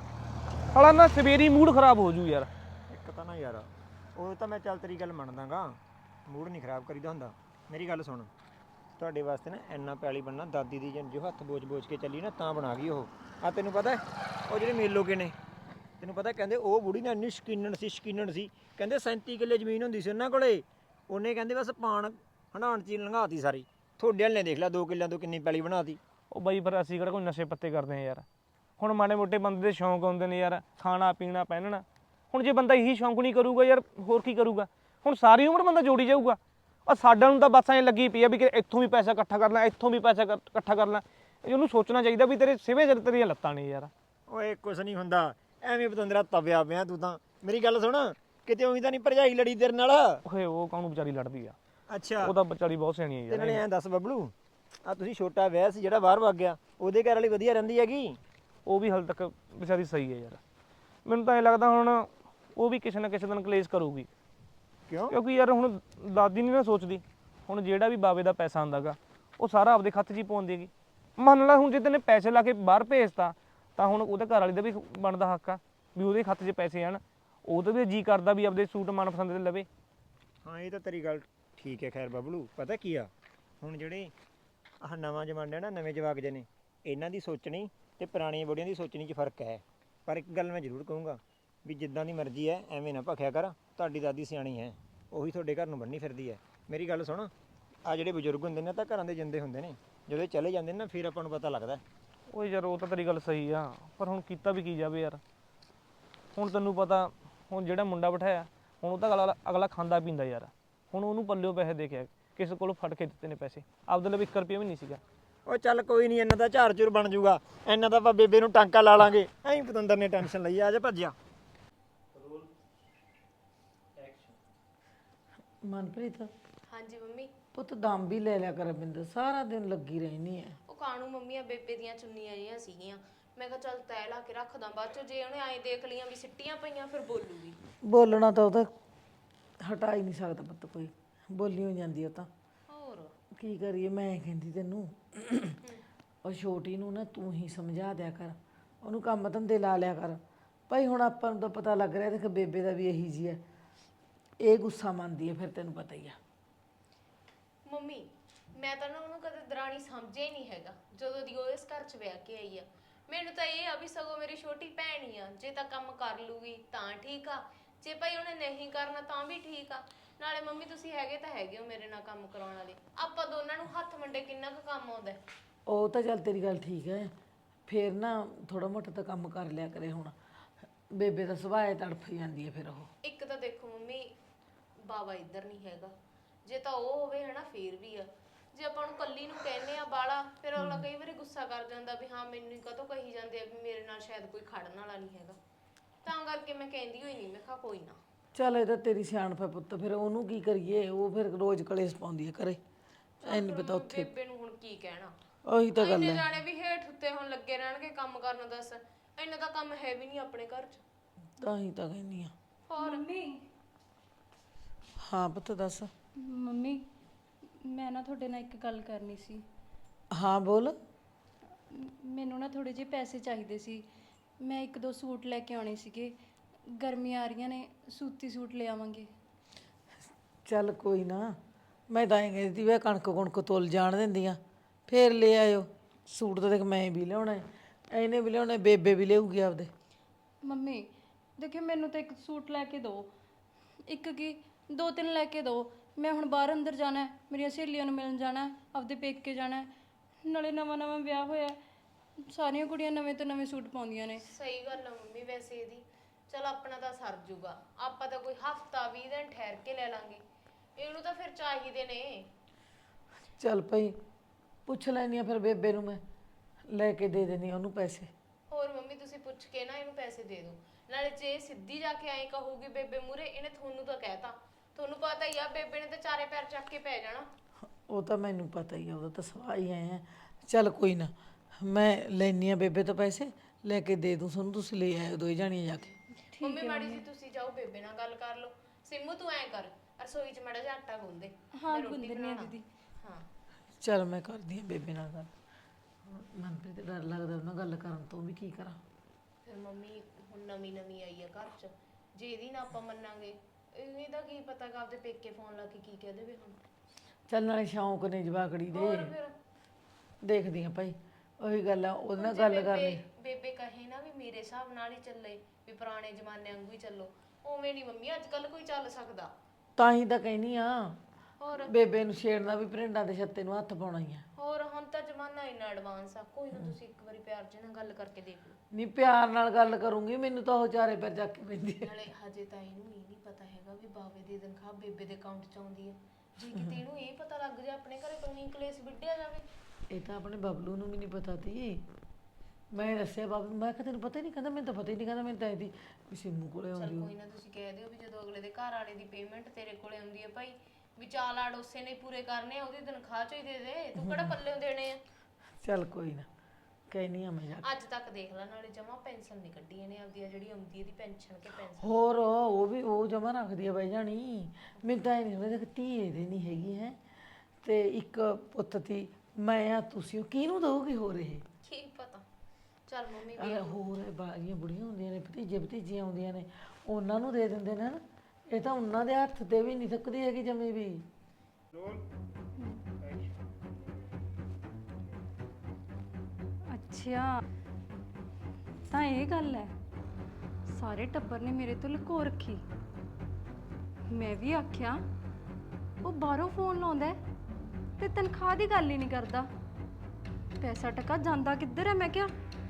S4: ਸਾਲਾ ਨਾ ਸਵੇਰੀ ਮੂਡ ਖਰਾਬ ਹੋ ਜੂ ਯਾਰ
S7: ਇੱਕ ਤਾਂ ਨਾ ਯਾਰ ਉਹ ਤਾਂ ਮੈਂ ਚੱਲ ਤੇਰੀ ਗੱਲ ਮੰਨਦਾਗਾ ਮੂਡ ਨਹੀਂ ਖਰਾਬ ਕਰੀਦਾ ਹੁੰਦਾ ਮੇਰੀ ਗੱਲ ਸੁਣ ਤੁਹਾਡੇ ਵਾਸਤੇ ਨਾ ਇੰਨਾ ਪੈਲੀ ਬਣਨਾ ਦਾਦੀ ਦੀ ਜੋ ਹੱਥ ਬੋਝ ਕੇ ਚੱਲੀ ਨਾ ਤਾਂ ਬਣਾ ਗਈ ਉਹ ਆ ਤੈਨੂੰ ਪਤਾ ਉਹ ਜਿਹੜੇ ਮੇਲੋਕੇ ਨੇ ਤੈਨੂੰ ਪਤਾ ਕਹਿੰਦੇ ਉਹ ਬੁੜੀ ਨਾ ਇੰਨੀ ਸ਼ਕੀਨਣ ਸੀ ਕਹਿੰਦੇ 37 ਕਿੱਲੇ ਜ਼ਮੀਨ ਹੁੰਦੀ ਸੀ ਉਹਨਾਂ ਕੋਲੇ ਉਹਨੇ ਕਹਿੰਦੇ ਬਸ ਪਾਣ ਹੰਡਾਣ ਚ ਲੰਘਾਤੀ ਸਾਰੀ ਤੁਹਾਡੇ ਵਾਲੇ ਨੇ ਦੇਖ ਲਿਆ 2 ਕਿੱਲਿਆਂ ਤੋਂ ਕਿੰਨੀ ਪੈਲੀ ਬਣਾਤੀ
S4: ਉਹ ਬਾਈ ਫਿਰ ਅਸੀਂ ਕਿਹੜਾ ਕੋਈ ਨਸ਼ੇ ਪੱਤੇ ਕਰਦੇ ਆ ਯਾਰ ਹੁਣ ਮਾੜੇ ਮੋਟੇ ਬੰਦੇ ਦੇ ਸ਼ੌਂਕ ਹੁੰਦੇ ਨੇ ਯਾਰ ਖਾਣਾ ਪੀਣਾ ਪਹਿਨਣਾ ਹੁਣ ਜੇ ਬੰਦਾ ਇਹੀ ਸ਼ੌਂਕ ਨਹੀਂ ਕਰੂਗਾ ਯਾਰ ਹੋਰ ਕੀ ਕਰੂਗਾ ਹੁਣ ਸਾਰੀ ਉਮਰ ਬੰਦਾ ਜੋੜੀ ਜਾਊਗਾ ਆ ਸਾਡਾ ਨੂੰ ਤਾਂ ਬਸ ਐਂ ਲੱਗੀ ਪਈ ਆ ਵੀ ਕਿ ਇੱਥੋਂ ਵੀ ਪੈਸਾ ਇਕੱਠਾ ਕਰਨਾ ਇੱਥੋਂ ਵੀ ਪੈਸਾ ਇਕੱਠਾ ਕਰਨਾ ਉਹਨੂੰ ਸੋਚਣਾ ਚਾਹੀਦਾ ਵੀ ਤੇਰੇ ਸਿਵੇਂ ਸਿਰ ਤੇਰੀਆਂ ਲੱਤਾਂ ਨੇ ਯਾਰ
S7: ਓਏ ਕੁਛ ਨਹੀਂ ਹੁੰਦਾ ਐਵੇਂ ਪਤੰਦਰਾ ਤਵਿਆ ਪਿਆ ਤੂੰ ਤਾਂ ਮੇਰੀ ਗੱਲ ਸੁਣ ਕਿਤੇ ਉਵੇਂ ਤਾਂ ਨਹੀਂ ਭਰਜਾਈ ਲੜੀ ਤੇਰੇ ਨਾਲ
S4: ਓਏ ਉਹ ਕਾਹਨੂੰ ਵਿਚਾਰੀ ਲੜਦੀ ਆ
S7: ਅੱਛਾ
S4: ਉਹ ਤਾਂ ਵਿਚਾਰੀ ਬਹੁਤ ਸਿਆਣੀ ਆ
S7: ਤੇ
S4: ਯਾਰ
S7: ਨਾਲੇ ਐਂ ਦੱਸ ਬਬਲੂ ਆ ਤੁਸੀਂ ਛੋਟਾ ਵਿਆਹ ਸੀ ਜਿਹੜਾ ਬਾਹਰ ਵਗ ਗਿਆ ਉਹਦੇ ਘਰ ਵਾਲੀ ਵਧੀਆ ਰਹਿੰਦੀ ਹੈਗੀ
S4: ਉਹ ਵੀ ਹਾਲੇ ਤੱਕ ਵਿਚਾਰੀ ਸਹੀ ਹੈ ਯਾਰ ਮੈਨੂੰ ਤਾਂ ਐਂ ਲੱਗਦਾ ਹੁਣ ਉਹ ਵੀ ਕਿਸੇ ਨਾ ਕਿਸੇ ਦਿਨ ਕਲੇਸ਼ ਕਰੂਗੀ
S7: ਕਿਉਂ
S4: ਕਿਉਂਕਿ ਯਾਰ ਹੁਣ ਦਾਦੀ ਨਹੀਂ ਨਾ ਸੋਚਦੀ ਹੁਣ ਜਿਹੜਾ ਵੀ ਬਾਵੇ ਦਾ ਪੈਸਾ ਆਉਂਦਾਗਾ ਉਹ ਸਾਰਾ ਆਪਦੇ ਖਾਤੇ 'ਚ ਹੀ ਪਾਉਂਦੀ ਹੈਗੀ ਮੰਨ ਲਾ ਹੁਣ ਜੇ ਤੈਨੇ ਪੈਸੇ ਲਾ ਕੇ ਬਾਹਰ ਭੇਜਤਾ ਤਾਂ ਹੁਣ ਉਹਦੇ ਘਰ ਵਾਲੀ ਦਾ ਵੀ ਬਣਦਾ ਹੱਕ ਆ ਵੀ ਉਹਦੇ ਖਾਤੇ 'ਚ ਪੈਸੇ ਆਣ ਉਹ ਤਾਂ ਵੀ ਜੀ ਕਰਦਾ ਵੀ ਆਪਦੇ ਸੂਟ ਮਨਪਸੰਦ ਦੇ ਲਵੇ
S7: ਹਾਂ ਇਹ ਤਾਂ ਤੇਰੀ ਗੱਲ ਠੀਕ ਹੈ ਖੈਰ ਬਬਲੂ ਪਤਾ ਕੀ ਆ ਹੁਣ ਜਿਹੜੇ ਆਹ ਨਵਾਂ ਜਮਾਨਾ ਨਾ ਨਵੇਂ ਜਵਾਕ ਜੇ ਨੇ ਇਹਨਾਂ ਦੀ ਸੋਚਣੀ ਤੇ ਪੁਰਾਣੀਆਂ ਬੁੜੀਆਂ ਦੀ ਸੋਚਣੀ 'ਚ ਫਰਕ ਹੈ ਪਰ ਇੱਕ ਗੱਲ ਮੈਂ ਜ਼ਰੂਰ ਕਹੂੰਗਾ ਵੀ ਜਿੱਦਾਂ ਦੀ ਮਰਜ਼ੀ ਹੈ ਐਵੇਂ ਨਾ ਭਖਿਆ ਕਰ ਤੁਹਾਡੀ ਦਾਦੀ ਸਿਆਣੀ ਹੈ ਉਹੀ ਤੁਹਾਡੇ ਘਰ ਨੂੰ ਬੰਨੀ ਫਿਰਦੀ ਹੈ ਮੇਰੀ ਗੱਲ ਸੁਣ ਆ ਜਿਹੜੇ ਬਜ਼ੁਰਗ ਹੁੰਦੇ ਨੇ ਤਾਂ ਘਰਾਂ ਦੇ ਜਿੰਦੇ ਹੁੰਦੇ ਨੇ ਜਦੋਂ ਇਹ ਚਲੇ ਜਾਂਦੇ ਨੇ ਨਾ ਫਿਰ ਆਪਾਂ ਨੂੰ ਪਤਾ ਲੱਗਦਾ
S4: ਓਏ ਯਾਰ ਉਹ ਤਾਂ ਤੇਰੀ ਗੱਲ ਸਹੀ ਆ ਪਰ ਹੁਣ ਕੀਤਾ ਵੀ ਕੀ ਜਾਵੇ ਯਾਰ ਹੁਣ ਤੈਨੂੰ ਪਤਾ ਹੁਣ ਜਿਹੜਾ ਮੁੰਡਾ ਬਿਠਾਇਆ ਹੁਣ ਉਹ ਤਾਂ ਅਗਲਾ ਖਾਂਦਾ ਪੀਂਦਾ ਯਾਰ ਹੁਣ ਉਹਨੂੰ ਪੱਲਿਓ ਪੈਸੇ ਦੇ ਕੇ ਕਿਸੇ ਕੋਲੋਂ ਫੜ ਕੇ ਦਿੱਤੇ ਨੇ ਪੈਸੇ ਆਪਦੇ ਲਈ 1 ਰੁਪਿਆ ਵੀ ਨਹੀਂ ਸੀਗਾ
S7: ਉਹ ਚੱਲ ਕੋਈ ਨਹੀਂ ਇਹਨਾਂ ਦਾ ਝਾਰ ਝੁਰ ਬਣ ਜਾਊਗਾ ਇਹਨਾਂ ਦਾ ਆਪਾਂ ਬੇਬੇ ਨੂੰ ਟਾਂਕਾ ਲਾ ਲਾਂਗੇ ਐਂ ਪਤੰਦਰ ਨੇ ਟੈਨਸ਼ਨ ਲਈ ਆ ਜਾ ਭੱਜਿਆ
S5: ਮਨਪ੍ਰੀਤ
S3: ਹਾਂਜੀ ਮੰਮੀ
S5: ਪੁੱਤ ਦਮ ਵੀ ਲੈ ਲਿਆ ਕਰ ਬਿੰਦ ਸਾਰਾ ਦਿਨ ਲੱਗੀ ਰਹਿਣੀ ਹੈ
S3: ਉਹ ਕਾਣੂ ਮੰਮੀ ਆ ਬੇਬੇ ਦੀਆਂ ਚੁੰਨੀਆਂ ਜਿਹੀਆਂ ਸੀਗੀਆਂ ਮੈਂ ਕਿਹਾ ਚੱਲ ਤੈ ਲਾ ਕੇ ਰੱਖਦਾ ਬਾਅਦ ਚੋਂ ਜੇ ਉਹਨੇ ਐਂ ਦੇਖ ਲੀਆਂ ਵੀ ਸਿੱਟੀਆਂ ਪਈਆਂ ਫਿਰ ਬੋਲੂਗੀ
S5: ਬੋਲਣਾ ਤਾਂ ਉਹ ਤਾਂ ਹਟਾ ਹੀ ਨਹੀਂ ਸਕਦਾ ਪੁੱਤ ਕੋਈ ਬੋਲੀ ਹੋ ਜਾਂਦੀ ਉਹ ਤਾਂ
S3: ਹੋਰ
S5: ਕੀ ਕਰੀਏ ਮੈਂ ਕਹਿੰਦੀ ਤੈਨੂੰ ਉਹ ਛੋਟੀ ਨੂੰ ਨਾ ਤੂੰ ਹੀ ਸਮਝਾ ਦਿਆ ਕਰ ਉਹਨੂੰ ਕੰਮ ਧੰਦੇ ਲਾ ਲਿਆ ਕਰ ਭਾਈ ਹੁਣ ਆਪਾਂ ਨੂੰ ਤਾਂ ਪਤਾ ਲੱਗ ਰਿਹਾ ਦੇਖ ਬੇਬੇ ਦਾ ਵੀ ਇਹੀ ਜੀ ਹੈ ਇਹ ਗੁੱਸਾ ਮੰਨਦੀ ਹੈ ਫਿਰ ਤੈਨੂੰ ਪਤਾ ਹੀ ਆ
S3: ਮੰਮੀ ਮੈਂ ਤਾਂ ਨਾ ਉਹਨੂੰ ਕਦੇ ਦਰਾਣੀ ਸਮਝਿਆ ਹੀ ਨਹੀਂ ਹੈਗਾ ਜਦੋਂ ਦੀ ਉਹ ਇਸ ਘਰ 'ਚ ਵਿਆਹ ਕੇ ਆਈ ਆ ਮੈਨੂੰ ਤਾਂ ਇਹ ਆ ਵੀ ਸਗੋਂ ਮੇਰੀ ਛੋਟੀ ਭੈਣ ਹੀ ਆ ਜੇ ਤਾਂ ਕੰਮ ਕਰ ਲੂਗੀ ਤਾਂ ਠੀਕ ਆ ਜੇ ਭਾਈ ਉਹਨੇ ਨਹੀਂ ਕਰਨਾ ਤਾਂ ਵੀ ਠੀਕ ਆ ਨਾਲੇ ਮੰਮੀ ਤੁਸੀਂ ਹੈਗੇ ਤਾਂ ਹੈਗੇ ਹੋ ਮੇਰੇ ਨਾਲ ਕੰਮ ਕਰਾਉਣ ਵਾਲੇ ਆਪਾਂ ਦੋਨਾਂ ਨੂੰ ਹੱਥ ਮੰਡੇ ਕਿੰਨਾ ਕੁ ਕੰਮ ਆਉਂਦਾ
S5: ਉਹ ਤਾਂ ਚੱਲ ਤੇਰੀ ਗੱਲ ਠੀਕ ਹੈ ਫਿਰ ਨਾ ਥੋੜਾ ਮੋਟਾ ਤਾਂ ਕੰਮ ਕਰ ਲਿਆ ਕਰੇ ਹੁਣ ਬੇਬੇ ਦਾ ਸੁਭਾਅ ਤੜਫ ਜਾਂਦੀ ਹੈ ਫਿਰ ਉਹ
S3: ਇੱਕ ਤਾਂ ਦੇਖੋ ਮੰਮੀ ਬਾਵਾ ਇੱਧਰ ਨਹੀਂ ਹੈਗਾ ਜੇ ਤਾਂ ਉਹ ਹੋਵੇ ਹਨਾ ਫੇਰ ਵੀ ਆ ਜੇ ਆਪਾਂ ਨੂੰ ਕੱਲੀ ਨੂੰ ਕਹਿੰਨੇ ਆ ਬਾਲਾ ਫਿਰ ਅਗਲਾ ਕਈ ਵਾਰੀ ਗੁੱਸਾ ਕਰ ਜਾਂਦਾ ਵੀ ਹਾਂ ਮੈਨੂੰ ਹੀ ਕਾਹਤੋਂ ਕਹੀ ਜਾਂਦੇ ਆ ਵੀ ਮੇਰੇ ਨਾਲ ਸ਼ਾਇਦ ਕੋਈ ਖੜਨ ਵਾਲਾ ਨਹੀਂ ਹੈਗਾ ਤਾਂ ਕਰਕੇ ਮੈਂ ਕਹਿੰਦੀ ਹੋਈ ਨਹੀਂ, ਮੈਂ ਕਿਹਾ ਕੋਈ ਨਾ।
S5: ਚੱਲ ਇਹ ਤਾਂ ਤੇਰੀ ਸਿਆਣਪ ਹੈ ਪੁੱਤ, ਫਿਰ ਉਹਨੂੰ ਕੀ ਕਰੀਏ, ਉਹ ਫਿਰ ਰੋਜ਼ ਕਲੇਸ਼ ਪਾਉਂਦੀ ਹੈ ਘਰੇ। ਐ ਨਹੀਂ ਪਤਾ ਉੱਥੇ
S3: ਬੇਬੇ ਨੂੰ ਹੁਣ ਕੀ ਕਹਿਣਾ,
S5: ਉਹੀ ਤਾਂ ਗੱਲ
S3: ਇੰਨੇ
S5: ਹੈ।
S3: ਜਾਣੇ ਵੀ ਹੇਠ ਉੱਤੇ ਹੁਣ ਲੱਗੇ ਰਹਿਣਗੇ ਕੰਮ ਕਰਨ, ਦੱਸ ਇੰਨਾ ਤਾਂ ਕੰਮ ਹੈ ਵੀ ਨਹੀਂ ਆਪਣੇ ਘਰ 'ਚ।
S5: ਤਾਂ ਹੀ ਤਾਂ ਕਹਿੰਦੀ ਆ।
S3: ਹੋਰ
S5: ਹਾਂ ਪੁੱਤ ਦੱਸ।
S1: ਮੰਮੀ ਮੈਂ ਨਾ ਤੁਹਾਡੇ ਨਾਲ ਇੱਕ ਗੱਲ ਕਰਨੀ ਸੀ।
S5: ਹਾਂ ਬੋਲ।
S1: ਮੈਨੂੰ ਨਾ ਥੋੜੇ ਜਿਹੇ ਪੈਸੇ ਚਾਹੀਦੇ ਸੀ। ਮੈਂ 1-2 ਸੂਟ ਲੈ ਕੇ ਆਉਣੇ ਸੀਗੇ। ਗਰਮੀਆਂ ਆ ਰਹੀਆਂ ਨੇ, ਸੂਤੀ ਸੂਟ ਲੈ ਆਵਾਂਗੇ।
S5: ਚੱਲ ਕੋਈ ਨਾ, ਮੈਂ ਤਾਂ ਐਂ ਕਹਿੰਦੀ ਵੇ ਕਣਕ ਕੁਣਕ ਤੁਲ ਜਾਣ ਦਿੰਦੀਆਂ, ਫੇਰ ਲੈ ਆਇਓ। ਸੂਟ ਤਾਂ ਦੇਖ ਮੈਂ ਵੀ ਲਿਆਉਣਾ ਹੈ, ਇਹਨੇ ਵੀ ਲਿਆਉਣਾ, ਬੇਬੇ ਵੀ ਲਿਆਊਗੀ ਆਪਦੇ।
S1: ਮੰਮੀ ਦੇਖਿਓ, ਮੈਨੂੰ ਤਾਂ ਇੱਕ ਸੂਟ ਲੈ ਕੇ ਦਿਓ। ਇੱਕ ਕੀ 2-3 ਲੈ ਕੇ ਦਿਓ। ਮੈਂ ਹੁਣ ਬਾਹਰ ਅੰਦਰ ਜਾਣਾ ਹੈ, ਮੇਰੀਆਂ ਸਹੇਲੀਆਂ ਨੂੰ ਮਿਲਣ ਜਾਣਾ ਹੈ, ਆਪਦੇ ਪੇਕੇ ਜਾਣਾ ਹੈ। ਨਾਲੇ ਨਵਾਂ ਵਿਆਹ ਹੋਇਆ ਹੈ, ਸਾਰੀਆਂ ਕੁੜੀਆਂ ਨਵੇਂ ਤੋਂ ਨਵੇਂ ਸੂਟ ਪਾਉਂਦੀਆਂ ਨੇ।
S3: ਸਹੀ ਗੱਲ ਆ ਮੰਮੀ ਵੈਸੇ ਇਹਦੀ। ਚਲ ਆਪਣਾ ਤਾਂ ਸਰ ਜੂਗਾ, ਆਪਾਂ ਤਾਂ ਕੋਈ ਹਫਤਾ 20 ਦਿਨ ਠਹਿਰ ਕੇ ਲੈ ਲਾਂਗੇ, ਇਹਨੂੰ ਤਾਂ ਫਿਰ ਚਾਹੀਦੇ ਨੇ।
S5: ਚੱਲ ਭਾਈ ਪੁੱਛ ਲੈਣੀ ਆ ਫਿਰ ਬੇਬੇ ਨੂੰ, ਮੈਂ ਲੈ ਕੇ ਦੇ ਦੇਣੀ ਉਹਨੂੰ ਪੈਸੇ।
S3: ਹੋਰ ਮੰਮੀ ਤੁਸੀਂ ਪੁੱਛ ਕੇ ਨਾ ਇਹਨੂੰ ਪੈਸੇ ਦੇ ਦਿਓ। ਨਾਲੇ ਜੇ ਸਿੱਧੀ ਜਾ ਕੇ ਐਂ ਕਹੂਗੀ ਬੇਬੇ ਮੂਰੇ, ਇਹਨੇ ਤੁਹਾਨੂੰ ਤਾਂ ਕਹਿਤਾ, ਤੁਹਾਨੂੰ ਪਤਾ ਹੀ ਆ ਬੇਬੇ ਨੇ ਤਾਂ ਚਾਰੇ ਪੈਰ ਚੱਕ ਕੇ ਪੈ ਜਾਣਾ।
S5: ਉਹ ਤਾਂ ਮੈਨੂੰ ਪਤਾ ਹੀ ਆ, ਉਹਦਾ ਤਾਂ ਸਵਾਹ ਹੀ ਆਏ ਆ। ਚੱਲ ਕੋਈ ਨਾ, ਮੈਂ ਲੈਣੀ ਆ ਬੇਬੇ ਤੋਂ ਪੈਸੇ, ਲੈ ਕੇ ਦੇ ਦੂੰ ਤੁਹਾਨੂੰ, ਤੁਸੀਂ ਲੈ ਆਇਓ ਦੋਈ ਜਾਣੀਆਂ ਜਾ ਕੇ।
S3: ਮੰਮੀ ਮਾੜੀ ਜੀ ਤੁਸੀਂ ਜਾਓ ਬੇਬੇ ਨਾਲ ਗੱਲ ਕਰ ਲਓ। ਸਿੰਮੂ ਤੂੰ ਐਂ ਕਰ, ਰਸੋਈ 'ਚ ਮਾੜਾ ਜਿਹਾ ਆਟਾ ਗੁੰਨ ਦੇ।
S1: ਹਾਂ
S3: ਮੈਂ ਰੋਟੀ
S1: ਗੁੰਦਨੀ ਆ
S3: ਬਣਾਉਣਾ।
S1: ਦੀਦੀ।
S3: ਹਾਂ
S5: ਚੱਲ ਮੈਂ ਕਰਦੀ ਆ ਬੇਬੇ ਨਾਲ ਗੱਲ। ਮਨਪ੍ਰੀਤ ਤੇ ਡਰ ਲੱਗਦਾ ਉਹਨਾਂ ਗੱਲ ਕਰਨ ਤੋਂ, ਵੀ ਕੀ ਕਰਾਂ।
S3: ਫਿਰ ਮੰਮੀ ਹੁਣ ਨਵੀਂ ਆਈ ਆ ਘਰ 'ਚ, ਜੇ ਇਹਦੀ ਨਾ ਆਪਾਂ ਮੰਨਾਂਗੇ, ਇਹਦਾ ਕੀ ਪਤਾ ਕਿ ਆਪਦੇ ਪੇਕੇ ਫੋਨ ਲਾ ਕੇ ਕੀ ਕਹਿ ਦੇਵੇ ਹੁਣ।
S5: ਚੱਲ ਨਾਲੇ ਸ਼ੌਂਕ ਨੇ ਜਵਾਕੜੀ ਦੇ,
S3: ਹੋਰ ਫਿਰ
S5: ਦੇਖਦੀ ਆ ਭਾਈ। ਉਹੀ ਗੱਲ ਆ, ਉਹਦੇ ਨਾਲ
S3: ਜੇ
S5: ਗੱਲ ਕਰਨੀ।
S3: ਬੇਬੇ ਕਹੇ ਨਾ ਵੀ ਮੇਰੇ ਹਿਸਾਬ ਨਾਲ ਹੀ ਚੱਲੇ, ਵੀ ਪੁਰਾਣੇ ਜ਼ਮਾਨੇ ਵਾਂਗੂ ਹੀ ਚੱਲੋ, ਉਵੇਂ ਨਹੀਂ ਮੰਮੀ ਅੱਜ ਕੱਲ ਕੋਈ ਚੱਲ ਸਕਦਾ।
S5: ਤਾਂ ਹੀ ਤਾਂ ਕਹਿਨੀ ਆ,
S3: ਹੋਰ
S5: ਬੇਬੇ ਨੂੰ ਛੇੜਨਾ ਵੀ ਭਰਿੰਡਾਂ ਦੇ ਛੱਤੇ ਨੂੰ ਹੱਥ ਪਾਉਣਾ ਹੀ ਆ।
S3: ਹੋਰ ਹੁਣ ਤਾਂ ਜ਼ਮਾਨਾ ਇੰਨਾ ਐਡਵਾਂਸ ਆ, ਕੋਈ ਨਾ ਤੁਸੀਂ ਇੱਕ ਵਾਰੀ ਪਿਆਰ ਜਿਹੇ ਨਾਲ ਗੱਲ ਕਰਕੇ ਦੇਖ ਲਓ।
S5: ਨਹੀਂ ਪਿਆਰ ਨਾਲ ਗੱਲ ਕਰੂੰਗੀ, ਮੈਨੂੰ ਤਾਂ ਉਹ ਚਾਰੇ ਪੈਰ ਚੱਕ ਕੇ ਪੈਂਦੀ ਹੈ।
S3: ਨਾਲੇ ਹਜੇ ਤਾਂ ਇਹਨੂੰ ਇਹ ਨਹੀਂ ਪਤਾ ਹੈਗਾ ਵੀ ਬਾਵੇ ਦੀ ਤਨਖਾਹ ਬੇਬੇ ਦੇ ਅਕਾਊਂਟ 'ਚ ਆਉਂਦੀ ਹੈ। ਜੇ ਕਿਤੇ ਇਹਨੂੰ ਇਹ ਪਤਾ ਲੱਗ ਜਾ ਆਪਣੇ ਘਰੇ ਤੋਂ ਹੀ ਕਲੇਸ਼ ਵਿੱਢਿਆ ਜਾਵੇ।
S5: ਇਹ ਤਾਂ ਆਪਣੇ ਬਬਲੂ ਨੂੰ ਵੀ ਨਹੀਂ ਪਤਾ ਤੀ। ਮੈਂ ਦੱਸਿਆ ਬਬਲੂ, ਮੈਂ ਕਿਹਾ ਤੈਨੂੰ ਪਤਾ ਹੀ ਨਹੀਂ, ਕਹਿੰਦਾ ਮੈਨੂੰ ਤਾਂ ਪਤਾ ਹੀ ਨਹੀਂ, ਕਹਿੰਦਾ ਮੈਨੂੰ ਤਾਂ ਇਹਦੀ ਵੀ ਸਿੰਮੂ ਕੋਲੇ
S3: ਚਲ
S5: ਆਉਂਦੀ
S3: ਕੋਈ ਨਾ ਤੁਸੀਂ ਕਹਿ ਦਿਓ ਵੀ ਜਦੋਂ ਅਗਲੇ ਦੇ ਘਰ ਵਾਲੇ ਦੀ ਪੇਮੈਂਟ ਤੇਰੇ ਕੋਲੇ ਆਉਂਦੀ ਹੈ ਭਾਈ, ਵੀ ਚਾਲ ਆੜ ਉਸੇ ਨੇ ਪੂਰੇ ਕਰਨੇ ਆ, ਉਹਦੀ ਤਨਖਾਹ 'ਚੋਂ ਹੀ ਦੇ ਦੇ, ਤੂੰ ਕਿਹੜਾ ਪੱਲੇ ਦੇਣੇ ਆ।
S5: ਚੱਲ ਕੋਈ ਨਾ, ਕਹਿਨੀ ਆ ਮੈਂ ਜਾ ਕੇ।
S3: ਅੱਜ ਤੱਕ ਦੇਖ ਲੈ, ਨਾਲੇ ਜਮਾ ਪੈਨਸ਼ਨ ਨਹੀਂ ਕੱਢੀ ਇਹਨੇ ਆਪਦੀ, ਜਿਹੜੀ ਆਉਂਦੀ ਇਹਦੀ ਪੈਨਸ਼ਨ ਕੇ ਪੈਨਸ਼ਨ।
S5: ਹੋਰ ਉਹ ਵੀ ਉਹ ਜਮਾ ਰੱਖਦੀ ਆ ਬਾਈ ਜਾਣੀ। ਮੈਨੂੰ ਤਾਂ ਇਹ ਨਹੀਂ ਸਮਝਦਾ ਕਿ ਧੀ ਇਹਦੇ ਨਹੀਂ ਹੈਗੀ ਹੈ, ਤੇ ਇੱਕ ਪੁੱਤ ਤੀ ਮੈਂ ਆ, ਤੁਸੀਂ ਕਿਹਨੂੰ ਦਊਗੀ ਹੋਰ ਇਹ।
S3: ਕੀ ਪਤਾ। ਚੱਲ ਮੰਮੀ
S5: ਅਰੇ ਹੋਰ ਬਾਲੀਆਂ ਬੁੜੀਆਂ ਹੁੰਦੀਆਂ ਨੇ, ਭਤੀਜੇ ਭਤੀਜੀਆਂ ਆਉਂਦੀਆਂ ਨੇ, ਉਹਨਾਂ ਨੂੰ ਦੇ ਦਿੰਦੇ ਨੇ ਨਾ। ਇਹ ਤਾਂ ਉਹਨਾਂ ਦੇ ਹੱਥ ਤੇ ਵੀ ਨਹੀਂ ਥੱਕਦੀ ਹੈਗੀ ਜਮੇ ਵੀ।
S1: ਅੱਛਾ ਤਾਂ ਇਹ ਗੱਲ ਹੈ, ਸਾਰੇ ਟੱਬਰ ਨੇ ਮੇਰੇ ਤੋਂ ਲੁਕੋ ਰੱਖੀ। ਮੈਂ ਵੀ ਆਖਿਆ ਉਹ ਬਾਹਰੋਂ ਫੋਨ ਲਾਉਂਦਾ ਹੈ ਤੇ ਤਨਖਾਹ ਦੀ ਗੱਲ ਹੀ ਨਹੀਂ ਕਰਦਾ, ਪੈਸਾ ਟਕਾ ਜਾਂਦਾ ਕਿੱਧਰ ਹੈ। ਮੈਂ ਕਿਹਾ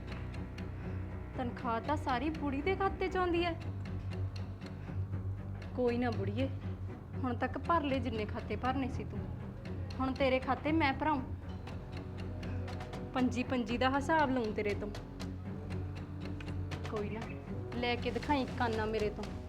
S1: ਤਨਖਾਹ ਤਾਂ ਸਾਰੀ ਬੁੜੀ ਦੇ ਖਾਤੇ 'ਚ ਆਉਂਦੀ ਹੈ। ਕੋਈ ਨਾ ਬੁੜੀਏ, ਹੁਣ ਤੱਕ ਭਰ ਲੈ ਜਿੰਨੇ ਖਾਤੇ ਭਰਨੇ ਸੀ ਤੂੰ, ਹੁਣ ਤੇਰੇ ਖਾਤੇ ਮੈਂ ਭਰਾਉਂ। ਪੰਜੀ ਦਾ ਹਿਸਾਬ ਲਊਂ ਤੇਰੇ ਤੋਂ। ਕੋਈ ਨਾ ਲੈ ਕੇ ਦਿਖਾਈ ਕਾਨਾ ਮੇਰੇ ਤੋਂ।